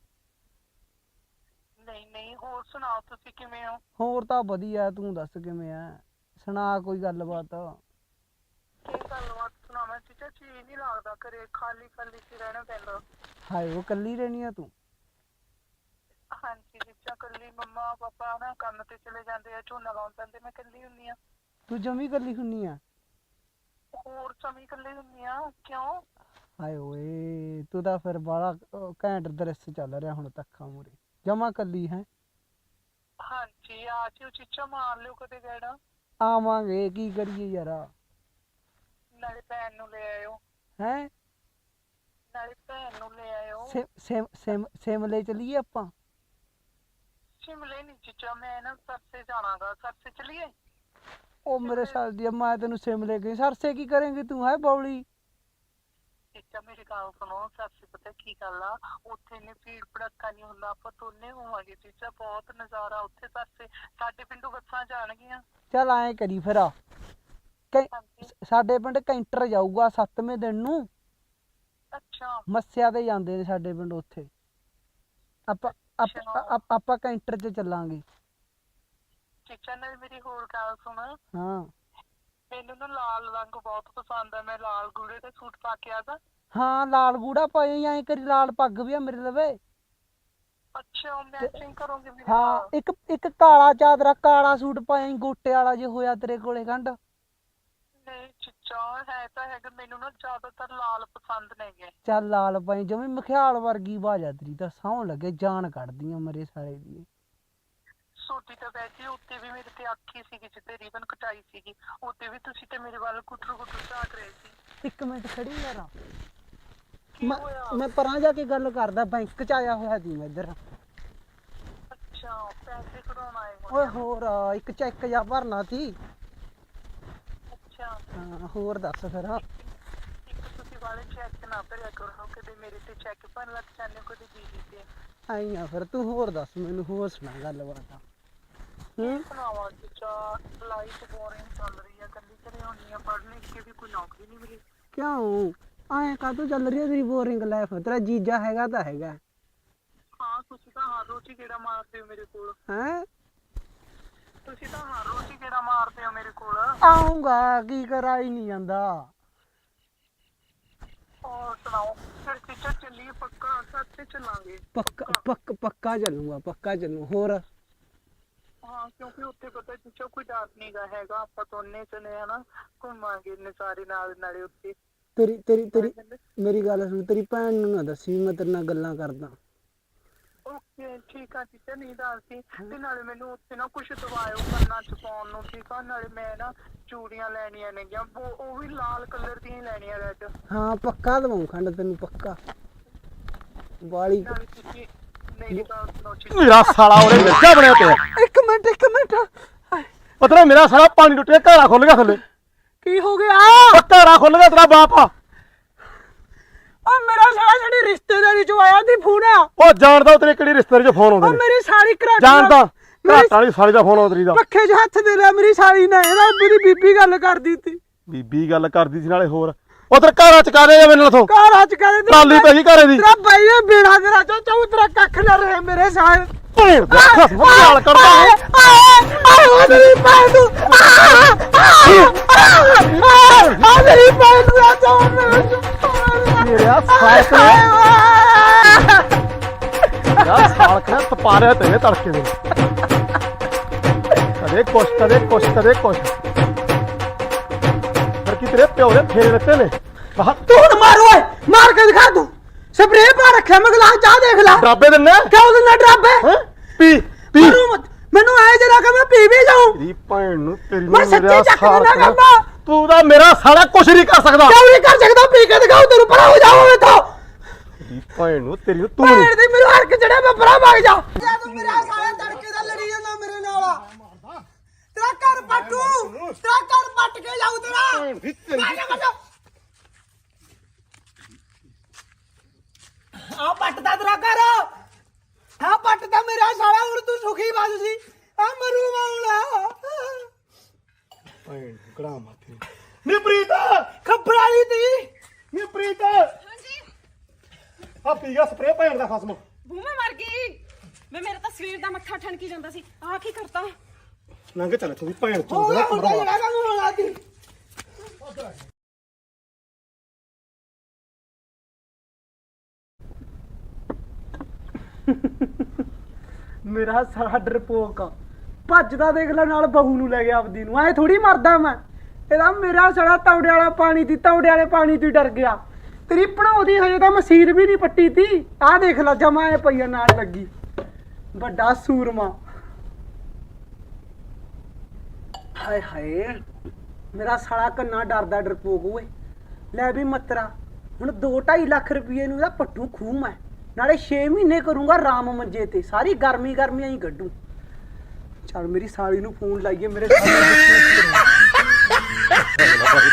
ਨਹੀਂ ਹੋਰ ਸੁਣਾਓ ਤੁਸੀਂ ਕਿਵੇਂ ਹੋ?
ਹੋਰ ਤਾਂ ਵਧੀਆ ਤੂੰ ਦੱਸ ਕਿਵੇਂ ਆ ਸੁਣਾ ਕੋਈ ਗੱਲਬਾਤ
ਕੀ ਗੱਲਬਾਤ ਸੁਣਾਵਾਂ ਚੀਚਾ ਜੀ ਨਹੀਂ ਲੱਗਦਾ ਘਰੇ ਖਾਲੀ ਸੀ ਰਹਿਣਾ ਪੈਂਦਾ।
ਹਾਏ ਉਹ ਕੱਲੀ ਰਹਿਣੀ ਆ ਤੂੰ
ਹਾਂਜੀ ਚੀਚਾ ਕੱਲੀ ਮੰਮਾ ਪਾਪਾ ਨਾ ਕੰਮ ਤੇ ਚਲੇ ਜਾਂਦੇ ਆ ਝੋਨਾ ਲਾਉਣ ਜਾਂਦੇ ਮੈਂ ਕੱਲੀ ਹੁੰਨੀ ਆ।
ਤੂੰ ਜਮੀ ਕੱਲੀ ਹੁੰਨੀ ਆ
ਹੋਰ ਸਮੀ ਕੱਲੀ ਹੁੰਨੀ ਆ ਕਿਉਂ?
ਹਾਏ ਓਏ ਤੂੰ ਤਾਂ ਫਿਰ ਬਾਲਾ ਘੈਂਟ ਦ੍ਰਿਸ਼ ਚੱਲ ਰਿਹਾ ਹੁਣ ਤੱਕਾਂ ਮੂਰੇ ਜਮਾ ਕੱਲੀ ਹੈ
ਹਾਂਜੀ ਆ ਜਿਓ ਚੀਚਾ ਮਾਰ ਲਿਓ ਕਦੇ ਗੇੜਾ।
ਆਵਾਂਗੇ ਕੀ ਕਰੀਏ ਯਾਰ
ਨਾਲੇ ਭੈਣ ਨੂੰ ਲੈ ਆਇਓ
ਹੈ
ਨਾਲੇ ਭੈਣ ਨੂੰ ਲੈ ਆਇਓ।
ਸਿਮਲੇ ਚਲੀਏ ਆਪਾਂ
ਸ਼ਿਮਲੇ ਨਹੀਂ ਚੀਚਾ ਮੈਂ ਨਾ ਸਰਸੇ ਜਾਣਾਗਾ ਸਰਸੇ ਚਲੀਏ।
ਉਹ ਮੇਰੇ ਸਾਲ ਦੀ ਮੈਂ ਤੈਨੂੰ ਸਿਮਲੇ ਗਈ ਸਰਸੇ ਕੀ ਕਰੇਂਗੀ ਤੂੰ ਹੈ ਬੌਲੀ
ਚੀਚਾ ਮੇਰੀ ਗੱਲ ਸੁਣੋ ਸਰਸੇ ਪਤਾ ਕੀ ਗੱਲ ਆ ਉੱਥੇ ਨੇ ਭੀੜ ਭੜੱਕਾ ਨਹੀਂ ਹੁੰਦਾ ਆਪਾਂ ਦੋਨੇ ਹੋਵਾਂਗੇ ਚੀਚਾ ਬਹੁਤ ਨਜ਼ਾਰਾ ਉੱਥੇ ਸਰਸੇ ਸਾਡੇ ਪਿੰਡੋਂ ਬੱਸਾਂ ਜਾਣਗੀਆਂ।
ਚੱਲ ਐਂ ਕਰੀ ਫਿਰ
ਹਾਂਜੀ
ਸਾਡੇ ਪਿੰਡ ਕੈਂਟਰ ਜਾਊਗਾ 7ਵੇਂ ਦਿਨ ਨੂੰ
ਅੱਛਾ
ਮੱਸਿਆ ਤੇ ਜਾਂਦੇ ਨੇ ਸਾਡੇ ਪਿੰਡ ਉੱਥੇ ਆਪਾਂ ਕੈਂਟਰ 'ਚ ਚੱਲਾਂਗੇ
ਚੀਚਾ ਨਾਲ ਮੇਰੀ ਹੋਰ ਗੱਲ ਸੁਣ
ਹਾਂ
ਮੈਨੂੰ ਨਾ ਲਾਲ ਰੰਗ ਬਹੁਤ ਪਸੰਦ ਆ ਮੈਂ ਲਾਲ ਗੂੜੇ ਦੇ ਸੂਟ ਪਾ ਕੇ ਆਦਾ।
ਹਾਂ ਲਾਲ ਗੂੜਾ ਪਾਏ ਐਂ ਕਰੀ ਲਾਲ ਪੱਗ ਵੀ ਆ ਮੇਰੇ ਲਵੇ
ਅੱਛਾ ਮੈਚਿੰਗ ਕਰੋਗੇ ਮੇਰੇ
ਹਾਂ
ਨਾਲ?
ਇੱਕ ਕਾਲਾ ਚਾਦਰਾ ਕਾਲਾ ਸੂਟ ਪਾਏ ਗੋਟੇ ਵਾਲਾ ਜੇ ਹੋਇਆ ਤੇਰੇ ਕੋਲੇ ਗੰਢ
ਨਹੀਂ ਚੀਚਾ ਹੈ ਤਾਂ ਹੈਗਾ ਮੈਨੂੰ ਨਾ ਜ਼ਿਆਦਾਤਰ ਲਾਲ ਪਸੰਦ ਨੇਗੇ।
ਚੱਲ ਲਾਲ ਪਾਈ ਜਮੀ ਮਖਿਆਲ ਵਰਗੀ ਬਾਜਾ ਤੇਰੀ ਤਾਂ ਸੌਂ ਲੱਗੇ ਜਾਨ ਕੱਢਦੀਆਂ ਮਰੇ ਸਾਲੇ ਦੀ
ਸੋਡੀ ਤਾਂ ਵੈਸੇ ਉੱਤੇ ਵੀ ਮੇਰੇ ਤੇ ਅੱਖੀ ਸੀਗੀ ਜਿੱਤੇ ਰੀਬਨ ਕਟਾਈ ਸੀਗੀ ਉੱਤੇ ਵੀ ਤੁਸੀਂ ਤੇ ਮੇਰੇ ਵੱਲ ਕੁੱਟਰ ਝਾਕ ਰਹੇ ਸੀ।
ਇੱਕ ਮਿੰਟ ਖੜੀ ਯਾਰ
ਕੀ ਹੋਇਆ?
ਮੈਂ ਪਰਾਂ ਜਾ ਕੇ ਗੱਲ ਕਰਦਾ, ਬੈਂਕ ਚ ਆਇਆ ਹੋਇਆ ਸੀ ਮੈਂ ਇੱਧਰ।
ਅੱਛਾ ਪੈਸੇ ਕਢਾਉਣ ਆਏ ਹੋ?
ਓਏ ਹੋਰ ਇੱਕ ਚੈੱਕ ਜਾ ਭਰਨਾ ਸੀ।
ਅੱਛਾ
ਹਾਂ ਹੋਰ ਦੱਸ ਫਿਰ।
ਇੱਕ ਤੁਸੀਂ ਵਾਲੇ ਚੈੱਕ ਨਾ ਭਰਿਆ ਕਰੋ, ਕਦੇ ਮੇਰੇ ਤੇ ਚੈੱਕ ਭਰਨ ਲੱਗ ਜਾਂਦੇ ਹੋ, ਕਦੇ ਦੀਦੀ ਤੇ।
ਆਈ ਆ ਫਿਰ, ਤੂੰ ਹੋਰ ਦੱਸ ਮੈਨੂੰ, ਹੋਰ ਸੁਣਾ ਗੱਲਬਾਤ।
ਸੁਣਾਵਾ ਚਾ ਲਾਈਫ ਬੋਰਿੰਗ ਚੱਲ ਰਹੀ ਆ, ਕੱਲੀ ਘਰੇ ਹੁੰਦੀ ਆ, ਪੜ੍ਹ ਲਿਖ ਕੇ ਵੀ ਕੋਈ ਨੌਕਰੀ ਨਹੀਂ ਮਿਲੀ।
ਕਿਉਂ ਐਂ ਕਾਹਤੋਂ ਚੱਲ ਰਹੀ ਹੈ ਤੇਰੀ ਬੋਰਿੰਗ ਲਾਈਫ? ਤੇਰਾ ਜੀਜਾ ਹੈਗਾ ਤਾਂ ਹੈਗਾ।
ਹਾਂ ਤੁਸੀਂ ਤਾਂ ਹਰ ਰੋਜ਼ ਹੀ ਗੇੜਾ ਮਾਰਦੇ ਹੋ ਮੇਰੇ ਕੋਲ।
ਹੈਂ
ਤੁਸੀਂ ਤਾਂ ਹਰ ਰੋਜ਼ ਹੀ ਗੇੜਾ ਮਾਰਦੇ ਹੋ ਮੇਰੇ ਕੋਲ।
ਆਉਂਗਾ, ਕੀ ਕਰਾਂ ਹੀ ਨਹੀਂ ਜਾਂਦਾ।
ਹੋਰ ਸੁਣਾਓ ਫਿਰ ਟੀਚਰ ਚੱਲੀਏ ਪੱਕਾ, ਸੱਚ ਚੱਲਾਂਗੇ।
ਪੱਕਾ ਚੱਲੂਗਾ, ਪੱਕਾ ਚੱਲੂ। ਹੋਰ
ਹਾਂ ਕਿਉਂਕਿ ਉੱਥੇ ਪਤਾ ਟੀਚਰ ਕੋਈ ਡਰ ਨਹੀਂਗਾ ਹੈਗਾ, ਆਪਾਂ ਦੋਨੇ ਚਲੇ ਹਨਾ ਘੁੰਮਾਂਗੇ ਨਜ਼ਾਰੇ ਨਾਲ ਨਾਲੇ ਉੱਤੇ।
ਤੇਰੀ ਮੇਰੀ ਗੱਲ ਸੁਣ, ਤੇਰੀ ਭੈਣ ਨੂੰ ਨਾ ਦੱਸੀ ਮੈਂ ਤੇਰੇ ਨਾਲ ਗੱਲਾਂ ਕਰਦਾ।
ਓਕੇ ਠੀਕ ਆ ਟੀਚਰ, ਨਹੀਂ ਦੱਸਦੀ। ਤੇ ਨਾਲੇ ਮੈਨੂੰ ਉੱਥੇ ਨਾ ਕੁਛ ਦਵਾਇਓ ਕੰਨਾਂ ਚ ਪਾਉਣ ਨੂੰ, ਠੀਕ ਆ? ਨਾਲੇ ਮੈਂ ਨਾ ਚੂੜੀਆਂ ਲੈਣੀਆਂ ਨੇਗੀਆਂ, ਉਹ ਵੀ ਲਾਲ ਕਲਰ ਦੀਆਂ ਹੀ ਲੈਣੀਆਂ, ਰੈੱਡ।
ਹਾਂ ਪੱਕਾ ਦਵਾਉਂ ਖੰਡ ਤੈਨੂੰ, ਪੱਕਾ ਵਾਲੀ।
ਨਾਲੇ ਤੁਸੀਂ ਮੇਰੀ ਗੱਲ ਸੁਣੋ ਠੀਕ
ਮੇਰਾ ਸਾਲਾ ਉਹਨੇ ਲੱਗਾ ਬਣਿਆ ਪਿਆ।
ਇੱਕ ਮਿੰਟ
ਪਤਾ ਮੇਰਾ ਸਾਲਾ ਪਾਣੀ ਟੁੱਟਿਆ, ਘੜਾ ਖੁੱਲ ਗਿਆ ਥੱਲੇ।
ਕੀ ਹੋ ਗਿਆ?
ਉਹ ਘੜਾ ਖੁੱਲ ਗਿਆ, ਤੇਰਾ ਬਾਪ ਆ।
ਓ ਮੇਰਾ ਸਾਲਾ ਸਾਡੀ ਰਿਸ਼ਤੇਦਾਰੀ ਚੋਂ ਆਇਆ ਸੀ ਫੋਨ।
ਉਹ ਜਾਣਦਾ ਤੇਰੇ ਕਿਹੜੀ ਰਿਸ਼ਤੇਦਾਰੀ ਚ ਫੋਨ ਆਉਂਦੇ
ਓ
ਨੇ?
ਮੇਰੀ ਸਾਲੀ ਘਰਾਟ
ਜਾਣਦਾ ਘਾਟਾਂ ਵਾਲੀ ਸਾਲੀ ਦਾ ਫੋਨ ਆਉਂਦਾ ਤੇਰੀ ਦਾ।
ਪੱਖੇ 'ਚ ਹੱਥ ਦੇ ਲਿਆ ਮੇਰੀ ਸਾਲੀ ਨੇ, ਇਹਦਾ ਮੇਰੀ ਬੀਬੀ ਗੱਲ ਕਰਦੀ ਸੀ।
ਬੀਬੀ ਗੱਲ ਕਰਦੀ ਸੀ ਨਾਲੇ ਹੋਰ। ਉਧਰ ਘਰਾਂ ਚ ਕਾ ਦੇ ਮੈਨੂੰ ਉਥੋਂ
ਘਰ ਅੱਜ ਕੱਲ
ਟਰਾਲੀ ਪੈ ਗਈ ਘਰੇ ਦੀ।
ਤੇਰਾ ਬਾਈ ਇਹ ਬੇੜਾ ਤੇਰਾ ਚਾਚਾ ਤੇਰਾ ਕੱਖ ਨਾ ਰਹੇ ਮੇਰੇ ਸਾਲ।
ਭੈਣ ਦਾ ਖਸਮ ਗਾਲ ਕਰਦਾ ਹੈ।
ਆ ਮੇਰੀ ਭੈਣ ਨੂੰ, ਆ ਮੇਰੀ ਭੈਣ ਨੂੰ ਆ ਜਾ
ਮੇਰਾ ਸਾਲਕ ਨੇ ਯਾਰ ਸਾਲਕ ਨੇ ਤਪਾਰਿਆ ਤੇਰੇ ਤੜਕੇ ਦੇ। ਕਦੇ ਕੁਛ ਪਰ ਕੀ ਤੇਰੇ ਪਿਓ ਦੇ ਫੇਰੇ ਦਿੱਤੇ ਨੇ।
ਤੂੰ ਹੁਣ ਮਾਰ ਓਏ, ਮਾਰ ਕੇ ਦਿਖਾ ਤੂੰ। ਸਪਰੇਅ ਪਾ ਰੱਖਿਆ ਮੈਂ, ਗਲਾਸ ਚਾਹ ਦੇਖ ਲੈ।
ਡਰਾਬੇ ਦਿੰਨੇ
ਕਿਉਂ ਦਿੰਦਾ ਡਰਾਬੇ?
ਪੀ
ਮੈਨੂੰ ਆਏ ਜਰਾ ਕਿ ਮੈਂ ਪੀ ਵੀ ਜਾਊਂ।
ਤੇਰੀ ਭੈਣ ਨੂੰ, ਤੇਰੀ
ਮੈਂ ਸੱਚੀ ਚੱਕ ਦੇਣਾ ਕਰਦਾ।
ਤੂੰ ਤਾਂ ਮੇਰਾ ਸਾਲਾ ਕੁਛ ਨਹੀਂ ਕਰ ਸਕਦਾ।
ਕਿਉਂ ਨਹੀਂ ਕਰ ਸਕਦਾ? ਪੀ ਕੇ ਦਿਖਾਉ ਤੈਨੂੰ, ਪਰਾਂ ਹੋ ਜਾਓ ਇੱਥੋਂ।
ਤੇਰੀ ਭੈਣ ਨੂੰ, ਤੇਰੀ ਨੂੰ ਤੂੰ
ਭੈਣ ਦੀ ਮੈਨੂੰ ਹਰਕ ਚੜਿਆ, ਮੈਂ ਪਰਾਂ ਭੱਗ ਜਾ। ਤੂੰ ਮੇਰਾ ਸਾਲਾ ਤੜਕੇ ਦਾ ਲੜੀ ਜਾਂਦਾ ਮੇਰੇ ਨਾਲ। ਤੇਰਾ ਘਰ ਪੱਟੂ, ਤੇਰਾ ਘਰ ਪੱਟ ਕੇ ਜਾਊ ਤੇਰਾ। ਆ ਪੱਟਦਾ ਤੇਰਾ ਘਰ, ਆ ਪੱਟਦਾ ਮੇਰਾ ਸਾਲਾ। ਹੁਣ ਤੂੰ ਸੁਖੀ ਬਸ ਸੀ, ਆ ਮਰੂ ਮਾਉਣਾ।
ਭੈਣ ਕੜਾ ਮਾਥੇ ਨੀ ਪ੍ਰੀਤ,
ਖੱਬਰ ਵਾਲੀ ਤੀ।
ਨੀ ਪ੍ਰੀਤ
ਹਾਂਜੀ
ਆ ਪੀ ਗਿਆ ਸਪਰੇ ਭੈਣ ਦਾ ਖਸਮ।
ਬੂਮਾ ਮਰ ਗਈ ਮੈਂ, ਮੇਰਾ ਤਾਂ ਸਵੇਰ ਦਾ ਮੱਥਾ ਠਣਕੀ ਜਾਂਦਾ ਸੀ। ਆਹ ਕੀ ਕਰਤਾ?
ਲੰਘ ਚੱਲ ਤੂੰ ਭੈਣ
ਹੋ
ਚੋਦ
ਗਿਆ
ਦਾ
ਹੁੰਦਾ ਜਿਹੜਾ ਕੰਮ ਹੋਣਾ ਸੀ। ਮੇਰਾ ਸਾਲਾ ਡਰਪੋਕ ਭੱਜਦਾ ਦੇਖ ਲੈ, ਨਾਲ ਬਹੂ ਨੂੰ ਲੈ ਗਿਆ ਆਪਦੀ ਨੂੰ। ਐ ਥੋੜੀ ਮਰਦਾ ਮੈਂ। ਇਹਦਾ ਮੇਰਾ ਸਾਲਾ ਤੌੜੇ ਵਾਲਾ ਪਾਣੀ ਦੀ, ਤੌੜੇ ਵਾਲੇ ਪਾਣੀ ਤੋਂ ਡਰ ਗਿਆ। ਤੇਰੀ ਭਣਾਉਦੀ ਹਜੇ ਤਾਂ ਮਸੀਰ ਵੀ ਨਹੀਂ ਪੱਟੀ ਤੀ। ਆਹ ਦੇਖ ਲੈ ਜਮਾ ਇਹ ਪਈਆ ਨਾਲ ਲੱਗੀ, ਵੱਡਾ ਸੂਰਮਾ। ਹਾਏ ਹਾਏ ਮੇਰਾ ਸਾਲਾ ਕੰਨਾ ਡਰਦਾ ਡਰਪੋਕ ਓਏ। ਲੈ ਵੀ ਮਤਰਾ, ਹੁਣ 2-2.5 ਲੱਖ ਰੁਪਏ ਨੂੰ ਇਹਦਾ ਪੱਟੂ ਖੂਹ ਮੈਂ, ਨਾਲੇ 6 ਮਹੀਨੇ ਕਰੂੰਗਾ ਰਾਮ ਮੰਜੇ ਤੇ, ਸਾਰੀ ਗਰਮੀਆਂ ਹੀ ਕੱਢੂ। ਚੱਲ ਮੇਰੀ ਸਾਲੀ ਨੂੰ ਫੋਨ ਲਾਈਏ, ਮੇਰੇ ਸਾਲੇ